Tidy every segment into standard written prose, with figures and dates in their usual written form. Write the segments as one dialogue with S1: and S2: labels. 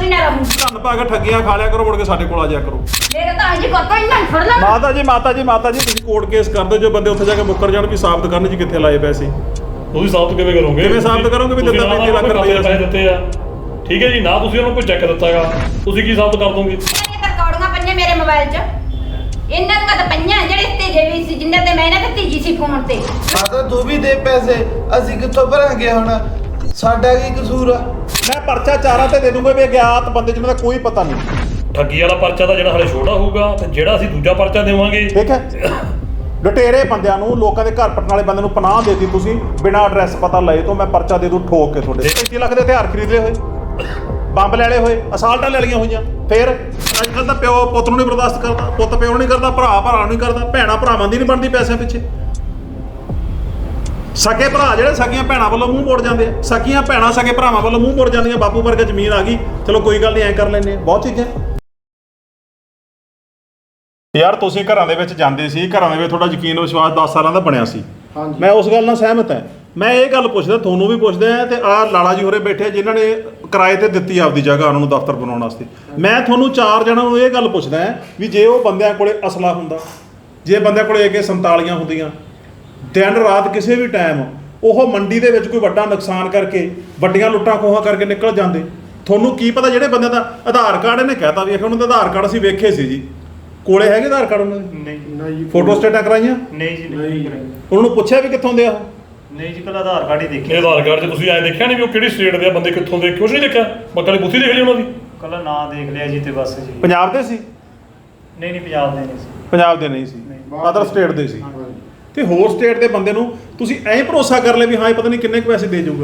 S1: ਧੰਨ ਪਾ ਕੇ ਠੱਗੀਆਂ ਖਾ ਲਿਆ ਕਰੋ, ਮੁੜ ਕੇ ਸਾਡੇ ਕੋਲ ਆ ਜਾਇਆ ਕਰੋ। ਮਾਤਾ ਜੀ ਤੁਸੀਂ ਕੋਰਟ ਕੇਸ ਕਰਦੇ ਜੋ ਬੰਦੇ ਉੱਥੇ ਜਾ ਕੇ ਮੁੱਕਰ ਜਾਣ ਵੀ ਸਾਬਤ ਕਰਨ ਜੀ ਕਿੱਥੇ ਲਾਏ ਪੈਸੇ।
S2: ਤੁਸੀਂ ਸਾਬਤ ਕਿਵੇਂ ਕਰੋਗੇ?
S1: ਕਿਵੇਂ ਸਾਬਤ ਕਰੋਗੇ ਵੀ ਦਿੱਤਾ 35 ਲੱਖ ਰੁਪਏ
S2: ਪੈਸੇ ਦਿੱਤੇ ਆ? ਠੀਕ ਹੈ ਜੀ, ਨਾ ਤੁਸੀਂ ਉਹਨੂੰ ਕੋਈ ਚੈੱਕ ਦਿੱਤਾਗਾ, ਤੁਸੀਂ ਕੀ ਸਾਬਤ ਕਰ ਦੋਗੇ?
S3: ਰਿਕਾਰਡਿੰਗਾਂ ਪਈਆਂ ਮੇਰੇ ਮੋਬਾਈਲ 'ਚ, ਇਹਨਾਂ ਦੀਆਂ ਤਾਂ ਪਈਆਂ ਜਿਹੜੇ ਤੇਜੇ ਵੀ ਸੀ, ਜਿੰਨੇ ਤੇ ਮੈਂ ਇਹਨਾਂ ਤੇ ਤੀਜੀ ਸੀ ਫੋਨ ਤੇ।
S4: ਮਾਤਾ ਤੂੰ ਵੀ ਦੇ ਪੈਸੇ, ਅਸੀਂ ਕਿੱਥੋਂ ਭਰਾਂਗੇ ਹੁਣ? ਸਾਡਾ ਕੀ ਕਸੂਰ ਆ?
S1: ਮੈਂ ਪਰਚਾ ਚਾਰਾਂ ਤੇ ਦੇ ਦੂੰਗਾ ਵੀ ਅਗਿਆਤ ਬੰਦੇ ਜਿਹਨਾਂ ਦਾ ਕੋਈ ਪਤਾ ਨਹੀਂ।
S2: ਠੱਗੀ ਵਾਲਾ ਪਰਚਾ ਤਾਂ ਜਿਹੜਾ ਹਲੇ ਛੋਟਾ ਹੋਊਗਾ, ਤੇ ਜਿਹੜਾ ਅਸੀਂ ਦੂਜਾ ਪਰਚਾ ਦੇਵਾਂਗੇ,
S1: ਠੀਕ ਹੈ। ਲੁਟੇਰੇ ਬੰਦਿਆਂ ਨੂੰ, ਲੋਕਾਂ ਦੇ ਘਰ ਪਟਣ ਵਾਲੇ ਬੰਦੇ ਨੂੰ ਪਨਾਹ ਦੇਤੀ ਤੁਸੀਂ ਬਿਨਾਂ ਐਡਰੈਸ ਪਤਾ ਲਏ ਤੋਂ। ਮੈਂ ਪਰਚਾ ਦੇ ਦੂੰ ਠੋਕ ਕੇ ਤੁਹਾਡੇ 35 ਲੱਖ ਦੇ ਹਥਿਆਰ ਖਰੀਦ ਲਏ ਹੋਏ, ਬੰਬ ਲੈ ਲਏ ਹੋਏ, ਅਸਾਲਟਾਂ ਲੈ ਲਈਆਂ ਹੋਈਆਂ। ਫਿਰ ਅੱਜ ਕੱਲ੍ਹ ਤਾਂ ਪਿਓ ਪੁੱਤ ਨੂੰ ਨਹੀਂ ਬਰਦਾਸ਼ਤ ਕਰਦਾ, ਪੁੱਤ ਪਿਓ ਨੂੰ ਨਹੀਂ ਕਰਦਾ, ਭਰਾ ਭਰਾ ਨੂੰ ਨਹੀਂ ਕਰਦਾ, ਭੈਣਾਂ ਭਰਾਵਾਂ ਦੀ ਨਹੀਂ ਬਣਦੀ ਪੈਸਿਆਂ ਪਿੱਛੇ। ਸਕੇ ਭਰਾ ਜਿਹੜੇ ਸਕੀਆਂ ਭੈਣਾਂ ਵੱਲੋਂ ਮੂੰਹ ਮੋੜ ਜਾਂਦੇ ਆ, ਸਕੀਆਂ ਭੈਣਾਂ ਸਕੇ ਭਰਾਵਾਂ ਵੱਲੋਂ ਮੂੰਹ ਮੋੜ ਜਾਂਦੀਆਂ। ਬਾਪੂ ਵਰਗਾ ਜ਼ਮੀਨ ਆ ਗਈ, ਚਲੋ ਕੋਈ ਗੱਲ ਨਹੀਂ, ਐਂ ਕਰ ਲੈਂਦੇ ਆ। ਬਹੁਤ ਚੀਜ਼ਾਂ ਯਾਰ ਤੁਸੀਂ ਘਰਾਂ ਦੇ ਵਿੱਚ ਜਾਂਦੇ ਸੀ, ਘਰਾਂ ਦੇ ਵਿੱਚ ਤੁਹਾਡਾ ਯਕੀਨ ਵਿਸ਼ਵਾਸ 10 ਸਾਲਾਂ ਦਾ ਬਣਿਆ ਸੀ। ਮੈਂ ਉਸ ਗੱਲ ਨਾਲ ਸਹਿਮਤ ਹਾਂ। ਮੈਂ ਇਹ ਗੱਲ ਪੁੱਛਦਾ, ਤੁਹਾਨੂੰ ਵੀ ਪੁੱਛਦਾ ਆ, ਤੇ ਆਹ ਲਾਲਾ ਜੀ ਹੋਰੇ ਬੈਠੇ ਜਿਨ੍ਹਾਂ ਨੇ ਕਿਰਾਏ ਤੇ ਦਿੱਤੀ ਆਪਦੀ ਜਗ੍ਹਾ ਉਹਨਾਂ ਨੂੰ ਦਫ਼ਤਰ ਬਣਾਉਣ ਵਾਸਤੇ। ਮੈਂ ਤੁਹਾਨੂੰ ਚਾਰ ਜਣਾਂ ਨੂੰ ਇਹ ਗੱਲ ਪੁੱਛਦਾ ਵੀ ਜੇ ਉਹ ਬੰਦਿਆਂ ਕੋਲੇ ਅਸਲਾ ਹੁੰਦਾ, ਜੇ ਬੰਦਿਆਂ ਕੋਲੇ AK-47 ਹੁੰਦੀਆਂ, ਦਿਨ ਰਾਤ ਕਿਸੇ ਵੀ ਟਾਈਮ ਉਹ ਮੰਡੀ ਦੇ ਵਿੱਚ ਕੋਈ ਵੱਡਾ ਨੁਕਸਾਨ ਕਰਕੇ, ਵੱਡੀਆਂ ਲੁੱਟਾਂ ਖੋਹਾਂ ਕਰਕੇ ਨਿਕਲ ਜਾਂਦੇ, ਤੁਹਾਨੂੰ ਕੀ ਪਤਾ ਜਿਹੜੇ ਬੰਦਿਆਂ ਦਾ ਆਧਾਰ ਕਾਰਡ ਇਹਨੇ ਕਹਿਤਾ ਵੀ ਉਹਨਾਂ ਦਾ ਆਧਾਰ ਕਾਰਡ ਅਸੀਂ ਵੇਖੇ ਸੀ ਜੀ, ਕੋਲੇ ਹੈਗੇ ਆਧਾਰ ਕਾਰਡ ਉਹਨਾਂ ਦੇ?
S5: ਨਹੀਂ।
S1: ਫੋਟੋ ਸਟੇਟਾਂ ਕਰਾਈਆਂ?
S5: ਨਹੀਂ ਜੀ, ਨਹੀਂ ਕਰਾਈ।
S1: ਉਹਨਾਂ ਨੂੰ ਪੁੱਛਿਆ ਵੀ ਕਿੱਥੋਂ ਦੇ ਆ?
S5: ਨਹੀਂ ਜੀ, ਕੱਲਾ ਆਧਾਰ ਕਾਰਡ ਹੀ ਦੇਖਿਆ।
S2: ਇਹ ਆਧਾਰ ਕਾਰਡ 'ਚ ਤੁਸੀਂ ਐਂ ਦੇਖਿਆ ਨਹੀਂ ਵੀ ਉਹ ਕਿਹੜੀ ਸਟੇਟ ਦੇ ਆ ਬੰਦੇ, ਕਿੱਥੋਂ ਦੇ? ਕੁਛ ਨਹੀਂ ਦੇਖਿਆ, ਮੱਕਾ ਦੀ ਬੁੱਧੀ ਦੇਖ ਲਈ ਉਹਨਾਂ ਦੀ।
S5: ਕੱਲਾ ਨਾਂ ਦੇਖ ਲਿਆ ਜੀ ਤੇ ਬਸ ਜੀ।
S1: ਪੰਜਾਬ ਦੇ ਸੀ?
S5: ਨਹੀਂ, ਪੰਜਾਬ ਦੇ ਨਹੀਂ ਸੀ।
S1: ਪੰਜਾਬ ਦੇ ਨਹੀਂ ਸੀ, ਅਦਰ ਸਟੇਟ ਦੇ ਸੀ। ਤੇ ਹੋਰ ਸਟੇਟ ਦੇ ਬੰਦੇ ਨੂੰ ਤੁਸੀਂ ਐਂ ਭਰੋਸਾ ਕਰ ਲਿਆ ਵੀ ਹਾਂ ਇਹ ਪਤਾ ਨਹੀਂ ਕਿੰਨੇ ਕੁ ਪੈਸੇ ਦੇ ਜਾਊਗਾ।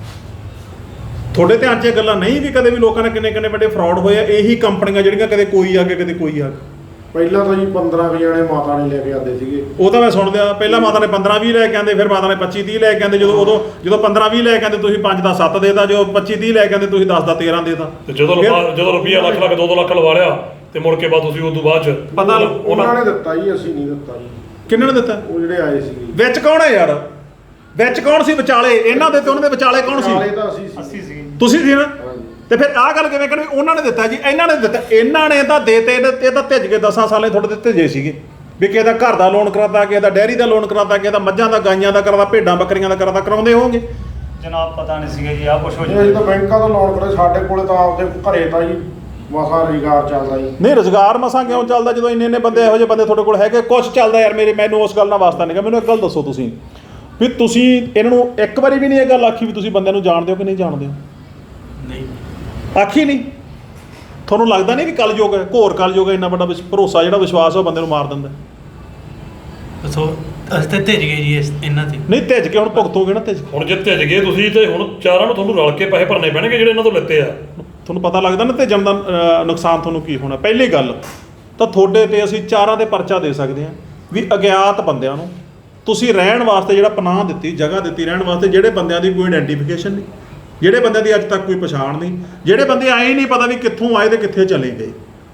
S1: ਤੁਹਾਡੇ ਧਿਆਨ 'ਚ ਇਹ ਗੱਲਾਂ ਨਹੀਂ ਵੀ ਕਦੇ ਵੀ ਲੋਕਾਂ ਨੇ ਕਿੰਨੇ ਵੱਡੇ ਫਰਾਡ ਹੋਏ ਆ। ਇਹੀ ਕੰਪਨੀਆਂ ਜਿਹੜੀਆਂ ਕਦੇ ਕੋਈ ਆ ਕੇ ਕਦੇ ਕੋਈ ਆ ਕੇ।
S6: ਪਹਿਲਾਂ ਤਾਂ ਜੀ 15 ਜਣੇ ਮਾਤਾ ਨੇ ਲੈ ਕੇ ਆਉਂਦੇ ਸੀਗੇ।
S1: ਉਹ ਤਾਂ ਮੈਂ ਸੁਣਦਿਆ, ਪਹਿਲਾਂ ਮਾਤਾ ਨੇ 15-20 ਲੈ ਕੇ ਆਉਂਦੇ, ਫਿਰ ਮਾਤਾ ਨੇ 25-30 ਲੈ ਕੇ ਆਉਂਦੇ। ਜਦੋਂ 15-20 ਲੈ ਕੇ ਆਉਂਦੇ ਤੁਸੀਂ 5 ਦਾ 7 ਦੇਤਾ, ਜੋ 25-30 ਲੈ ਕੇ ਆਉਂਦੇ ਤੁਸੀਂ 10 ਦਾ 13 ਦੇਤਾ।
S2: ਤੇ ਜਦੋਂ ਰੁਪਈਆ ਲੱਖ 2 ਲੱਖ ਲਵਾ ਲਿਆ ਤੇ ਮੁੜ ਕੇ ਬਾਅਦ ਤੁਸੀਂ ਉਸ ਤੋਂ ਬਾਅਦ 'ਚ
S1: ਪਤਾ
S6: ਉਹਨਾਂ ਨੇ ਦਿੱਤਾ ਜੀ, ਅਸੀਂ ਨਹੀਂ ਦਿੱਤਾ ਜੀ।
S1: ਕਿੰਨਾਂ ਨੇ ਦਿੱਤਾ?
S6: ਉਹ ਜਿਹੜੇ ਆਏ ਸੀਗੇ।
S1: ਵਿੱਚ ਕੌਣ ਹੈ ਯਾਰ? ਵਿੱਚ ਕੌਣ ਸੀ ਵਿਚਾਲੇ? ਇਹਨਾਂ ਦੇ ਤੇ ਉਹਨਾਂ ਦੇ ਵਿਚਾਲੇ ਕੌਣ ਸੀ?
S6: ਤਾਂ ਅਸੀਂ
S5: ਸੀ।
S1: ਤੁਸੀਂ ਸੀ ਨਾ? ਤੇ ਫਿਰ ਆਹ ਗੱਲ ਕਿਵੇਂ ਕਰਨੀ? ਉਹਨਾਂ ਨੇ ਦਿੱਤਾ ਜੀ, ਇਹਨਾਂ ਨੇ ਦਿੱਤਾ, ਇਹਨਾਂ ਨੇ ਤਾਂ ਦੇਤੇ। ਇਹ ਤਾਂ ਭਿੱਜ ਕੇ 10 ਸਾਲੇ ਤੁਹਾਡੇ ਦਿੱਤੇ ਜੇ ਸੀਗੇ ਵੀ ਕਿਸੇ ਦਾ ਘਰ ਦਾ ਲੋਨ ਕਰਾਤਾ, ਕਿਸੇ ਦਾ ਡੈਰੀ ਦਾ ਲੋਨ ਕਰਾਤਾ, ਕਿਸੇ ਦਾ ਮੱਝਾਂ ਦਾ, ਗਾਈਆਂ ਦਾ ਕਰਾਤਾ, ਭੇਡਾਂ ਬੱਕਰੀਆਂ ਦਾ ਕਰਾਤਾ। ਕਰਾਉਂਦੇ ਹੋਵੋਗੇ
S5: ਜਨਾਬ, ਪਤਾ ਨਹੀਂ ਸੀਗਾ ਜੀ, ਆਹ ਕੁਛ ਹੋ
S6: ਅਸੀਂ ਤਾਂ ਬੈਂਕਾਂ ਤੋਂ ਲੋਨ ਕਰੇ, ਸਾਡੇ ਕੋਲੇ ਤਾਂ ਆਪਦੇ ਘਰੇ ਤਾਂ ਜੀ ਮਸਾ ਰੁਜ਼ਗਾਰ ਚੱਲਦਾ ਜੀ।
S1: ਨਹੀਂ, ਰੁਜ਼ਗਾਰ ਮਸਾਂ ਕਿਉਂ ਚੱਲਦਾ ਜਦੋਂ ਇੰਨੇ ਬੰਦੇ ਇਹੋ ਜਿਹੇ ਬੰਦੇ ਤੁਹਾਡੇ ਕੋਲ ਹੈਗੇ? ਕੁਛ ਚੱਲਦਾ ਯਾਰ। ਮੈਨੂੰ ਉਸ ਗੱਲ ਨਾਲ ਵਾਸਤਾ ਨਹੀਂ ਗਾ। ਮੈਨੂੰ ਇੱਕ ਗੱਲ ਦੱਸੋ ਤੁਸੀਂ ਵੀ ਤੁਸੀਂ ਇਹਨਾਂ ਨੂੰ ਇੱਕ ਵਾਰੀ ਵੀ ਨਹੀਂ ਇਹ ਗੱਲ ਆਖੀ ਵੀ ਤੁਸੀਂ ਬੰਦਿਆਂ ਨੂੰ ਜਾਣਦੇ ਹੋ ਕਿ ਨਹੀਂ ਜਾਣਦੇ ਹੋ?
S5: ਨਹੀਂ
S1: ਆਖੀ ਨਹੀਂ? ਤੁਹਾਨੂੰ ਲੱਗਦਾ ਨਹੀਂ ਵੀ ਕਲਯੁਗ ਹੈ, ਘੋਰ ਕਲਯੁਗ ਹੈ? ਇੰਨਾ ਵੱਡਾ ਭਰੋਸਾ ਜਿਹੜਾ ਵਿਸ਼ਵਾਸ ਉਹ ਬੰਦੇ ਨੂੰ ਮਾਰ ਦਿੰਦਾ।
S7: ਅਸੀਂ ਤਾਂ ਭਿੱਜ ਗਏ ਜੀ ਇਹਨਾਂ ਤੇ।
S1: ਨਹੀਂ ਭਿੱਜ ਕੇ ਹੁਣ ਭੁਗਤੋਗੇ ਨਾ।
S2: ਹੁਣ ਜੇ ਭਿੱਜ ਗਏ ਤੁਸੀਂ ਤੇ ਹੁਣ ਚਾਰਾਂ ਨੂੰ ਤੁਹਾਨੂੰ ਰਲ ਕੇ ਪੈਸੇ ਭਰਨੇ ਪੈਣਗੇ ਜਿਹੜੇ ਇਹਨਾਂ ਤੋਂ ਲਿੱਤੇ ਆ।
S1: ਤੁਹਾਨੂੰ ਪਤਾ ਲੱਗਦਾ ਨਾ ਭੇਜਣ ਦਾ ਨੁਕਸਾਨ ਤੁਹਾਨੂੰ ਕੀ ਹੋਣਾ। ਪਹਿਲੀ ਗੱਲ ਤਾਂ ਤੁਹਾਡੇ ਤੇ ਅਸੀਂ ਚਾਰਾਂ ਦੇ ਪਰਚਾ ਦੇ ਸਕਦੇ ਹਾਂ ਵੀ ਅਗਿਆਤ ਬੰਦਿਆਂ ਨੂੰ ਤੁਸੀਂ ਰਹਿਣ ਵਾਸਤੇ ਜਿਹੜਾ ਪਨਾਹ ਦਿੱਤੀ, ਜਗ੍ਹਾ ਦਿੱਤੀ ਰਹਿਣ ਵਾਸਤੇ, ਜਿਹੜੇ ਬੰਦਿਆਂ ਦੀ ਕੋਈ ਆਇਡੈਂਟੀਫਿਕੇਸ਼ਨ ਨਹੀਂ, ਜਿਹੜੇ ਬੰਦਿਆਂ ਦੀ ਅੱਜ ਤੱਕ ਕੋਈ ਪਛਾਣ ਨਹੀਂ, ਜਿਹੜੇ ਬੰਦੇ ਆਏ ਨਹੀਂ ਪਤਾ ਵੀ ਕਿੱਥੋਂ ਆਏ ਤੇ ਕਿੱਥੇ ਚਲੇ ਗਏ।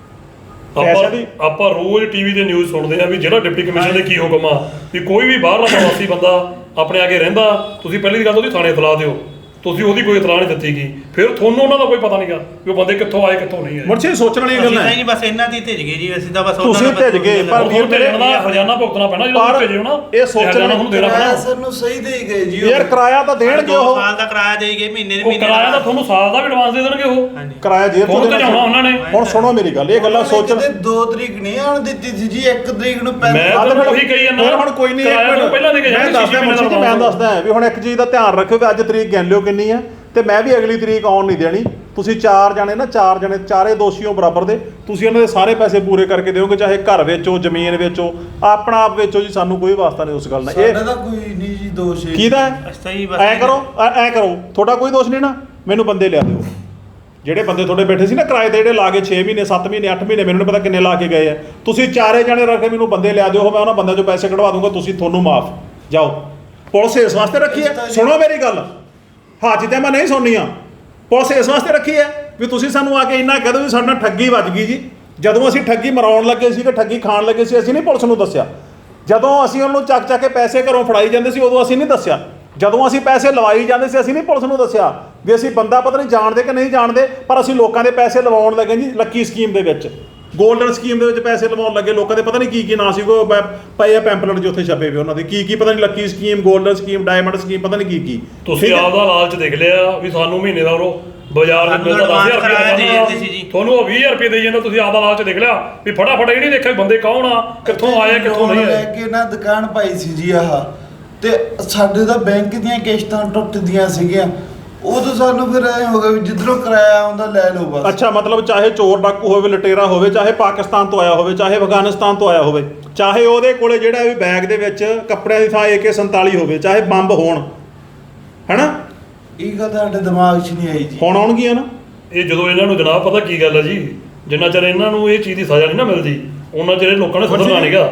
S2: ਆਪਾਂ ਰੋਜ਼ ਟੀਵੀ ਤੇ ਨਿਊਜ਼ ਸੁਣਦੇ ਆ ਵੀ ਜਿਹੜਾ ਡਿਪਟੀ ਕਮਿਸ਼ਨਰ ਦੇ ਕੀ ਹੁਕਮ ਆ ਵੀ ਕੋਈ ਵੀ ਬਾਹਰਲਾ ਪ੍ਰਵਾਸੀ ਬੰਦਾ ਆਪਣੇ ਆ ਕੇ ਰਹਿੰਦਾ, ਤੁਸੀਂ ਪਹਿਲੀ ਗੱਲ ਉਹਦੀ ਥਾਣੇ ਇਤਲਾਹ ਦਿਓ। ਤੁਸੀਂ ਉਹਦੀ ਕੋਈ ਇਤਲਾਹ ਨਹੀਂ ਦਿੱਤੀ ਗਈ, ਫਿਰ ਤੁਹਾਨੂੰ ਉਹਨਾਂ ਦਾ ਕੋਈ ਪਤਾ ਨਹੀਂਗਾ ਵੀ ਉਹ ਬੰਦੇ ਕਿੱਥੋਂ ਆਏ ਕਿੱਥੋਂ ਨਹੀਂ ਆਏ।
S1: ਮੁਰਸ਼ੀ ਸੋਚਣ ਵਾਲੀ ਗੱਲ ਹੈ।
S7: ਨਹੀਂ ਬਸ ਇਹਨਾਂ ਦੀ ਭਿੱਜ ਗਏ ਜੀ, ਅਸੀਂ ਤਾਂ ਬਸ
S1: ਤੁਸੀਂ ਭਿੱਜ ਗਏ। ਪਰ ਵੀਰ ਮੇਰੇ
S2: ਹਰਜਾਨਾ ਭੁਗਤਣਾ ਪੈਣਾ ਜਿਹੜਾ ਭੇਜੇ ਹੋਣਾ,
S1: ਇਹ ਸੋਚਣਾ
S2: ਹੁਣ ਦੇਣਾ ਪੈਣਾ।
S4: ਸਰ ਨੂੰ ਸਹੀ ਦੇ ਗਏ ਜੀ।
S1: ਯਾਰ ਕਿਰਾਇਆ ਤਾਂ ਦੇਣਗੇ,
S7: 2 ਸਾਲ ਦਾ ਕਿਰਾਇਆ ਦੇ ਗਏ, ਮਹੀਨੇ ਦੇ
S2: ਕਿਰਾਇਆ ਤਾਂ ਤੁਹਾਨੂੰ ਸਾਲ ਦਾ ਵੀ ਐਡਵਾਂਸ ਦੇ ਦੇਣਗੇ ਉਹ।
S1: ਕਿਰਾਇਆ ਜੇਬ ਤੋਂ
S2: ਜਾਣਾ ਉਹਨਾਂ ਨੇ।
S1: ਹੁਣ ਸੁਣੋ ਮੇਰੀ ਗੱਲ, ਇਹ ਗੱਲਾਂ ਸੋਚਣ।
S4: 2 ਤਰੀਕ ਨਹੀਂ ਆਉਣ ਦਿੱਤੀ ਸੀ ਜੀ, 1 ਤਰੀਕ ਨੂੰ
S2: ਮੈਂ ਤਾਂ ਉਹੀ ਕਹੀ ਜਾਂਦਾ।
S1: ਹੁਣ ਕੋਈ ਨਹੀਂ,
S2: ਪਹਿਲਾਂ ਦੇ ਕੇ
S1: ਮੈਂ ਦੱਸਦਾ ਵੀ ਹੁਣ ਇੱਕ ਚੀਜ਼ ਦਾ ਧਿਆਨ ਰੱਖਿਓ ਵੀ ਅੱਜ ਤਰੀਕ ਗਿਣ ਲਿਓ ਕਿੰਨੀ ਆ, ਤੇ ਮੈਂ ਵੀ ਅਗਲੀ ਤਰੀਕ ਆਉਣ ਨਹੀਂ ਦੇਣੀ। ਤੁਸੀਂ 4 ਜਣੇ ਨਾ, 4 ਜਣੇ, ਚਾਰੇ ਦੋਸ਼ੀਓ ਬਰਾਬਰ ਦੇ, ਤੁਸੀਂ ਇਹਨਾਂ ਦੇ ਸਾਰੇ ਪੈਸੇ ਪੂਰੇ ਕਰਕੇ ਦਿਓਗੇ, ਚਾਹੇ ਘਰ ਵੇਚੋ, ਜ਼ਮੀਨ ਵੇਚੋ, ਆਪਣਾ ਆਪ ਵੇਚੋ ਜੀ, ਸਾਨੂੰ ਕੋਈ ਵਾਸਤਾ ਨਹੀਂ ਉਸ ਗੱਲ ਨਾਲ।
S4: ਸਾਡਾ ਤਾਂ ਕੋਈ ਨਹੀਂ ਜੀ ਦੋਸ਼।
S1: ਕਿਹਦਾ ਐ ਕਰੋ, ਤੁਹਾਡਾ ਕੋਈ ਦੋਸ਼ ਨਹੀਂ ਨਾ, ਮੈਨੂੰ ਬੰਦੇ ਲਿਆ ਦਿਓ। ਜਿਹੜੇ ਬੰਦੇ ਤੁਹਾਡੇ ਬੈਠੇ ਸੀ ਨਾ ਕਿਰਾਏ ਤੇ, ਜਿਹੜੇ ਲਾ ਕੇ 6 ਮਹੀਨੇ 7 ਮਹੀਨੇ 8 ਮਹੀਨੇ, ਮੈਨੂੰ ਨਹੀਂ ਪਤਾ ਕਿੰਨੇ ਲਾ ਕੇ ਗਏ ਆ, ਤੁਸੀਂ ਚਾਰੇ ਜਣੇ ਰੱਖ ਕੇ ਮੈਨੂੰ ਬੰਦੇ ਲਿਆ ਦਿਓ। ਮੈਂ ਉਹਨਾਂ ਬੰਦਿਆਂ 'ਚੋਂ ਪੈਸੇ ਕਢਵਾ ਦੂੰਗਾ, ਤੁਹਾਨੂੰ ਮਾਫ। ਜਾਓ। ਪੁਲਿਸ ਇਸ ਵਾਸਤੇ ਰੱਖੀ ਹੈ, ਸੁਣੋ ਮੇਰੀ ਗੱਲ, ਹਾਜੀ ਤੇ ਮੈਂ ਨਹੀਂ ਸੁਣਨੀ ਆ। ਪੁਲਿਸ ਇਸ ਵਾਸਤੇ ਰੱਖੀ ਹੈ ਵੀ ਤੁਸੀਂ ਸਾਨੂੰ ਆ ਕੇ ਇੰਨਾ ਕਹਿ ਦਿਓ ਵੀ ਸਾਡੇ ਨਾਲ ਠੱਗੀ ਵੱਜ ਗਈ ਜੀ। ਜਦੋਂ ਅਸੀਂ ਠੱਗੀ ਮਰਾਉਣ ਲੱਗੇ ਸੀ, ਕਿ ਠੱਗੀ ਖਾਣ ਲੱਗੇ ਸੀ, ਅਸੀਂ ਨਹੀਂ ਪੁਲਿਸ ਨੂੰ ਦੱਸਿਆ। ਜਦੋਂ ਅਸੀਂ ਉਹਨੂੰ ਚੱਕ ਕੇ ਪੈਸੇ ਘਰੋਂ ਫੜਾਈ ਜਾਂਦੇ ਸੀ, ਉਦੋਂ ਅਸੀਂ ਨਹੀਂ ਦੱਸਿਆ। ਜਦੋਂ ਅਸੀਂ ਪੈਸੇ ਲਵਾਈ ਜਾਂਦੇ ਸੀ, ਅਸੀਂ ਨਹੀਂ ਪੁਲਿਸ ਨੂੰ ਦੱਸਿਆ। ਵੀ ਅਸੀਂ ਬੰਦਾ ਪਤਾ ਨਹੀਂ ਜਾਣਦੇ ਕਿ ਨਹੀਂ ਜਾਣਦੇ, ਪਰ ਅਸੀਂ ਲੋਕਾਂ ਦੇ ਪੈਸੇ ਲਵਾਉਣ ਲੱਗੇ ਜੀ ਲੱਕੀ ਸਕੀਮ ਦੇ ਵਿੱਚ, ਗੋਲਡਨ ਸਕੀਮ ਦੇ ਵਿੱਚ ਪੈਸੇ ਲਵਾਉਣ ਲੱਗੇ ਲੋਕਾਂ ਦੇ, ਪਤਾ ਨਹੀਂ ਕੀ ਨਾਂ ਸੀ ਉਹ ਪਏ ਆ ਪੈਂਪਲੇਟ ਜੋ ਉੱਥੇ ਛਪੇ ਪਏ ਉਹਨਾਂ ਦੇ, ਕੀ ਪਤਾ ਨਹੀਂ lucky scheme, golden scheme, diamond scheme, ਪਤਾ ਨਹੀਂ ਕੀ
S2: ਤੁਸੀਂ ਆਪਦਾ ਲਾਲਚ ਦੇਖ ਲਿਆ ਵੀ ਸਾਨੂੰ ਮਹੀਨੇ ਦਾ ਉਹ ਬਾਜ਼ਾਰ ਦੇ ਮਿਲਦਾ 10,000 ਰੁਪਏ, ਤੁਹਾਨੂੰ ਉਹ 20,000 ਰੁਪਏ ਦੇਈ ਜਾਂਦਾ, ਤੁਸੀਂ ਆਪਦਾ ਲਾਲਚ ਦੇਖ ਲਿਆ ਵੀ ਫਟਾਫਟ ਇਹ ਨਹੀਂ ਦੇਖਿਆ ਵੀ ਬੰਦੇ ਕੌਣ ਆ, ਕਿੱਥੋਂ ਆਏ ਕਿੱਥੋਂ ਨਹੀਂ
S4: ਲੈ
S2: ਆਏ।
S4: ਕੇ ਨਾ ਦੁਕਾਨ ਪਾਈ ਸੀ ਜੀ ਆਹ, ਤੇ ਸਾਡੇ ਤਾਂ ਬੈਂਕ ਦੀਆਂ ਕਿਸ਼ਤਾਂ ਟੁੱਟਦੀਆਂ ਸੀਗੀਆਂ, ਉਦੋਂ ਸਾਨੂੰ ਫਿਰ ਐ ਹੋ ਗਿਆ ਵੀ ਜਿੱਧਰੋਂ ਕਿਰਾਇਆ ਆਉਂਦਾ ਲੈ ਲਓ ਬਸ।
S1: ਅੱਛਾ, ਮਤਲਬ ਚਾਹੇ ਚੋਰ ਡਾਕੂ ਹੋਵੇ, ਲਟੇਰਾ ਹੋਵੇ, ਚਾਹੇ ਪਾਕਿਸਤਾਨ ਤੋਂ ਆਇਆ ਹੋਵੇ, ਚਾਹੇ ਅਫਗਾਨਿਸਤਾਨ ਤੋਂ ਆਇਆ ਹੋਵੇ, ਚਾਹੇ ਉਹਦੇ ਕੋਲੇ ਜਿਹੜਾ ਵੀ ਬੈਗ ਦੇ ਵਿੱਚ ਕੱਪੜਿਆਂ ਦੀ ਥਾਂ AK-47 ਹੋਵੇ, ਚਾਹੇ ਬੰਬ ਹੋਣ, ਹੈਨਾ,
S4: ਇਹ ਗੱਲ ਸਾਡੇ ਦਿਮਾਗ 'ਚ ਨਹੀਂ ਆਈ ਜੀ।
S1: ਹੁਣ ਆਉਣਗੀਆਂ ਨਾ।
S2: ਇਹ ਜਦੋਂ ਇਹਨਾਂ ਨੂੰ ਜਨਾਬ ਪਤਾ ਕੀ ਗੱਲ ਹੈ ਜੀ, ਜਿੰਨਾ ਚਿਰ ਇਹਨਾਂ ਨੂੰ ਇਹ ਚੀਜ਼ ਦੀ ਸਜ਼ਾ ਨਹੀਂ ਨਾ ਮਿਲਦੀ ਉਹਨਾਂ ਚਿਰ ਇਹ ਲੋਕਾਂ ਨੇ ਸੁਧਰਨਾ ਨਹੀਂਗਾ।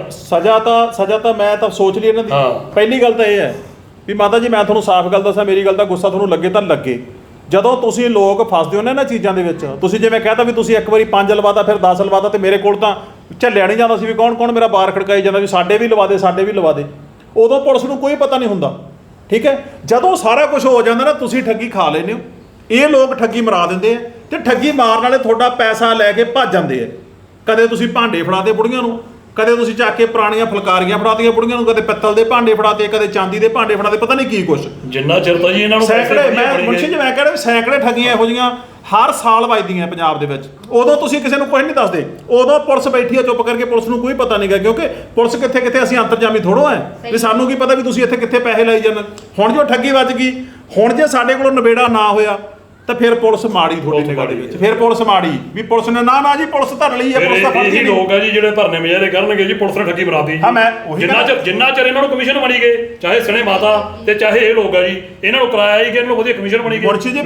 S1: ਸਜ਼ਾ ਤਾਂ ਮੈਂ ਤਾਂ ਸੋਚ ਲਈ ਇਹਨਾਂ ਦੀ।
S2: ਹਾਂ।
S1: ਪਹਿਲੀ ਗੱਲ ਤਾਂ ਇਹ ਹੈ ਵੀ ਮਾਤਾ ਜੀ, ਮੈਂ ਤੁਹਾਨੂੰ ਸਾਫ਼ ਗੱਲ ਦੱਸਾਂ, ਮੇਰੀ ਗੱਲ ਦਾ ਗੁੱਸਾ ਤੁਹਾਨੂੰ ਲੱਗੇ ਤਾਂ ਲੱਗੇ, ਜਦੋਂ ਤੁਸੀਂ ਲੋਕ ਫਸਦੇ ਹੋ ਨਾ ਇਹਨਾਂ ਚੀਜ਼ਾਂ ਦੇ ਵਿੱਚ, ਤੁਸੀਂ ਜਿਵੇਂ ਕਹਿਤਾ ਵੀ ਤੁਸੀਂ ਇੱਕ ਵਾਰੀ 5 ਲਵਾਤਾ ਫਿਰ 10 ਲਵਾਤਾ, ਤੇ ਮੇਰੇ ਕੋਲ ਤਾਂ ਝੱਲਿਆ ਨਹੀਂ ਜਾਂਦਾ ਸੀ ਵੀ ਕੌਣ ਮੇਰਾ ਬਾਰ ਖੜਕਾਈ ਜਾਂਦਾ ਵੀ ਸਾਡੇ ਵੀ ਲਵਾ ਦੇ, ਉਦੋਂ ਪੁਲਿਸ ਨੂੰ ਕੋਈ ਪਤਾ ਨਹੀਂ ਹੁੰਦਾ, ਠੀਕ ਹੈ। ਜਦੋਂ ਸਾਰਾ ਕੁਝ ਹੋ ਜਾਂਦਾ ਨਾ, ਤੁਸੀਂ ਠੱਗੀ ਖਾ ਲੈਂਦੇ ਹੋ, ਇਹ ਲੋਕ ਠੱਗੀ ਮਰਾ ਦਿੰਦੇ ਆ, ਤੇ ਠੱਗੀ ਮਾਰਨ ਵਾਲੇ ਤੁਹਾਡਾ ਪੈਸਾ ਲੈ ਕੇ ਭੱਜ ਜਾਂਦੇ ਆ। ਕਦੇ ਤੁਸੀਂ ਭਾਂਡੇ ਫੜਾਤੇ ਬੁੜੀਆਂ ਨੂੰ, ਕਦੇ ਤੁਸੀਂ ਚੱਕ ਕੇ ਪੁਰਾਣੀਆਂ ਫੁਲਕਾਰੀਆਂ ਫੜਾਤੀਆਂ ਬੁੜੀਆਂ ਨੂੰ, ਕਦੇ ਪਿੱਤਲ ਦੇ ਭਾਂਡੇ ਫੜਾਤੇ, ਕਦੇ ਚਾਂਦੀ ਦੇ ਭਾਂਡੇ ਫੜਾਤੇ, ਪਤਾ ਨਹੀਂ ਕੀ ਕੁਛ।
S2: ਜਿੰਨਾ ਚਿਰ ਤਾਂ ਜੀ ਇਹਨਾਂ ਨੂੰ
S1: ਸੈਂਕੜੇ, ਮੈਂ ਮੁਨਸ਼ੀ ਜੀ ਮੈਂ ਕਹਿ ਰਿਹਾ ਸੈਂਕੜੇ ਠੱਗੀਆਂ ਇਹੋ ਜਿਹੀਆਂ ਹਰ ਸਾਲ ਵੱਜਦੀਆਂ ਪੰਜਾਬ ਦੇ ਵਿੱਚ। ਉਦੋਂ ਤੁਸੀਂ ਕਿਸੇ ਨੂੰ ਕੁਝ ਨਹੀਂ ਦੱਸਦੇ, ਉਦੋਂ ਪੁਲਿਸ ਬੈਠੀ ਆ ਚੁੱਪ ਕਰਕੇ, ਪੁਲਿਸ ਨੂੰ ਕੋਈ ਪਤਾ ਨਹੀਂਗਾ, ਕਿਉਂਕਿ ਪੁਲਿਸ ਕਿੱਥੇ ਅਸੀਂ ਅੰਤਰਜਾਮੀ ਥੋੜੋ ਐ ਵੀ ਸਾਨੂੰ ਕੀ ਪਤਾ ਵੀ ਤੁਸੀਂ ਇੱਥੇ ਕਿੱਥੇ ਪੈਸੇ ਲਾਈ ਜਾਂਦੇ। ਹੁਣ ਜੋ ਠੱਗੀ ਵੱਜ ਗਈ, ਹੁਣ ਜੇ ਸਾਡੇ ਕੋਲੋਂ ਨਿਬੇੜਾ ਨਾ ਹੋਇਆ ਤਾਂ ਫਿਰ ਪੁਲਿਸ ਮਾੜੀ ਤੁਹਾਡੀ ਨਿਗਾਹ ਦੇ ਵਿੱਚ, ਫਿਰ ਪੁਲਿਸ ਮਾੜੀ ਵੀ ਪੁਲਿਸ ਨੇ ਨਾ ਜੀ ਪੁਲਿਸ ਧਰ ਲਈ ਹੈ, ਪੁਲਿਸ ਤਾਂ ਫੜਦੀ ਨਹੀਂ।
S2: ਲੋਕ ਆ ਜੀ ਜਿਹੜੇ ਧਰਨੇ ਮੁਜ਼ਾਹਰੇ ਕਰਨਗੇ ਜੀ, ਪੁਲਿਸ ਨੇ ਠੱਗੀ ਮਰਾਤੀ।
S1: ਹਾਂ, ਮੈਂ ਉਹੀ
S2: ਜਿੰਨਾ ਚਿਰ ਇਹਨਾਂ ਨੂੰ ਕਮਿਸ਼ਨ ਬਣੀ ਗਏ, ਚਾਹੇ ਸਣੇ ਮਾਤਾ ਤੇ ਚਾਹੇ ਇਹ ਲੋਕ ਆ ਜੀ, ਇਹਨਾਂ ਨੂੰ ਕਿਰਾਇਆ ਹੀ ਕਿ ਇਹਨਾਂ ਨੂੰ ਵਧੀਆ ਕਮਿਸ਼ਨ ਬਣੀ ਗਈ।
S1: ਮੁਰਸ਼ੀ ਜੀ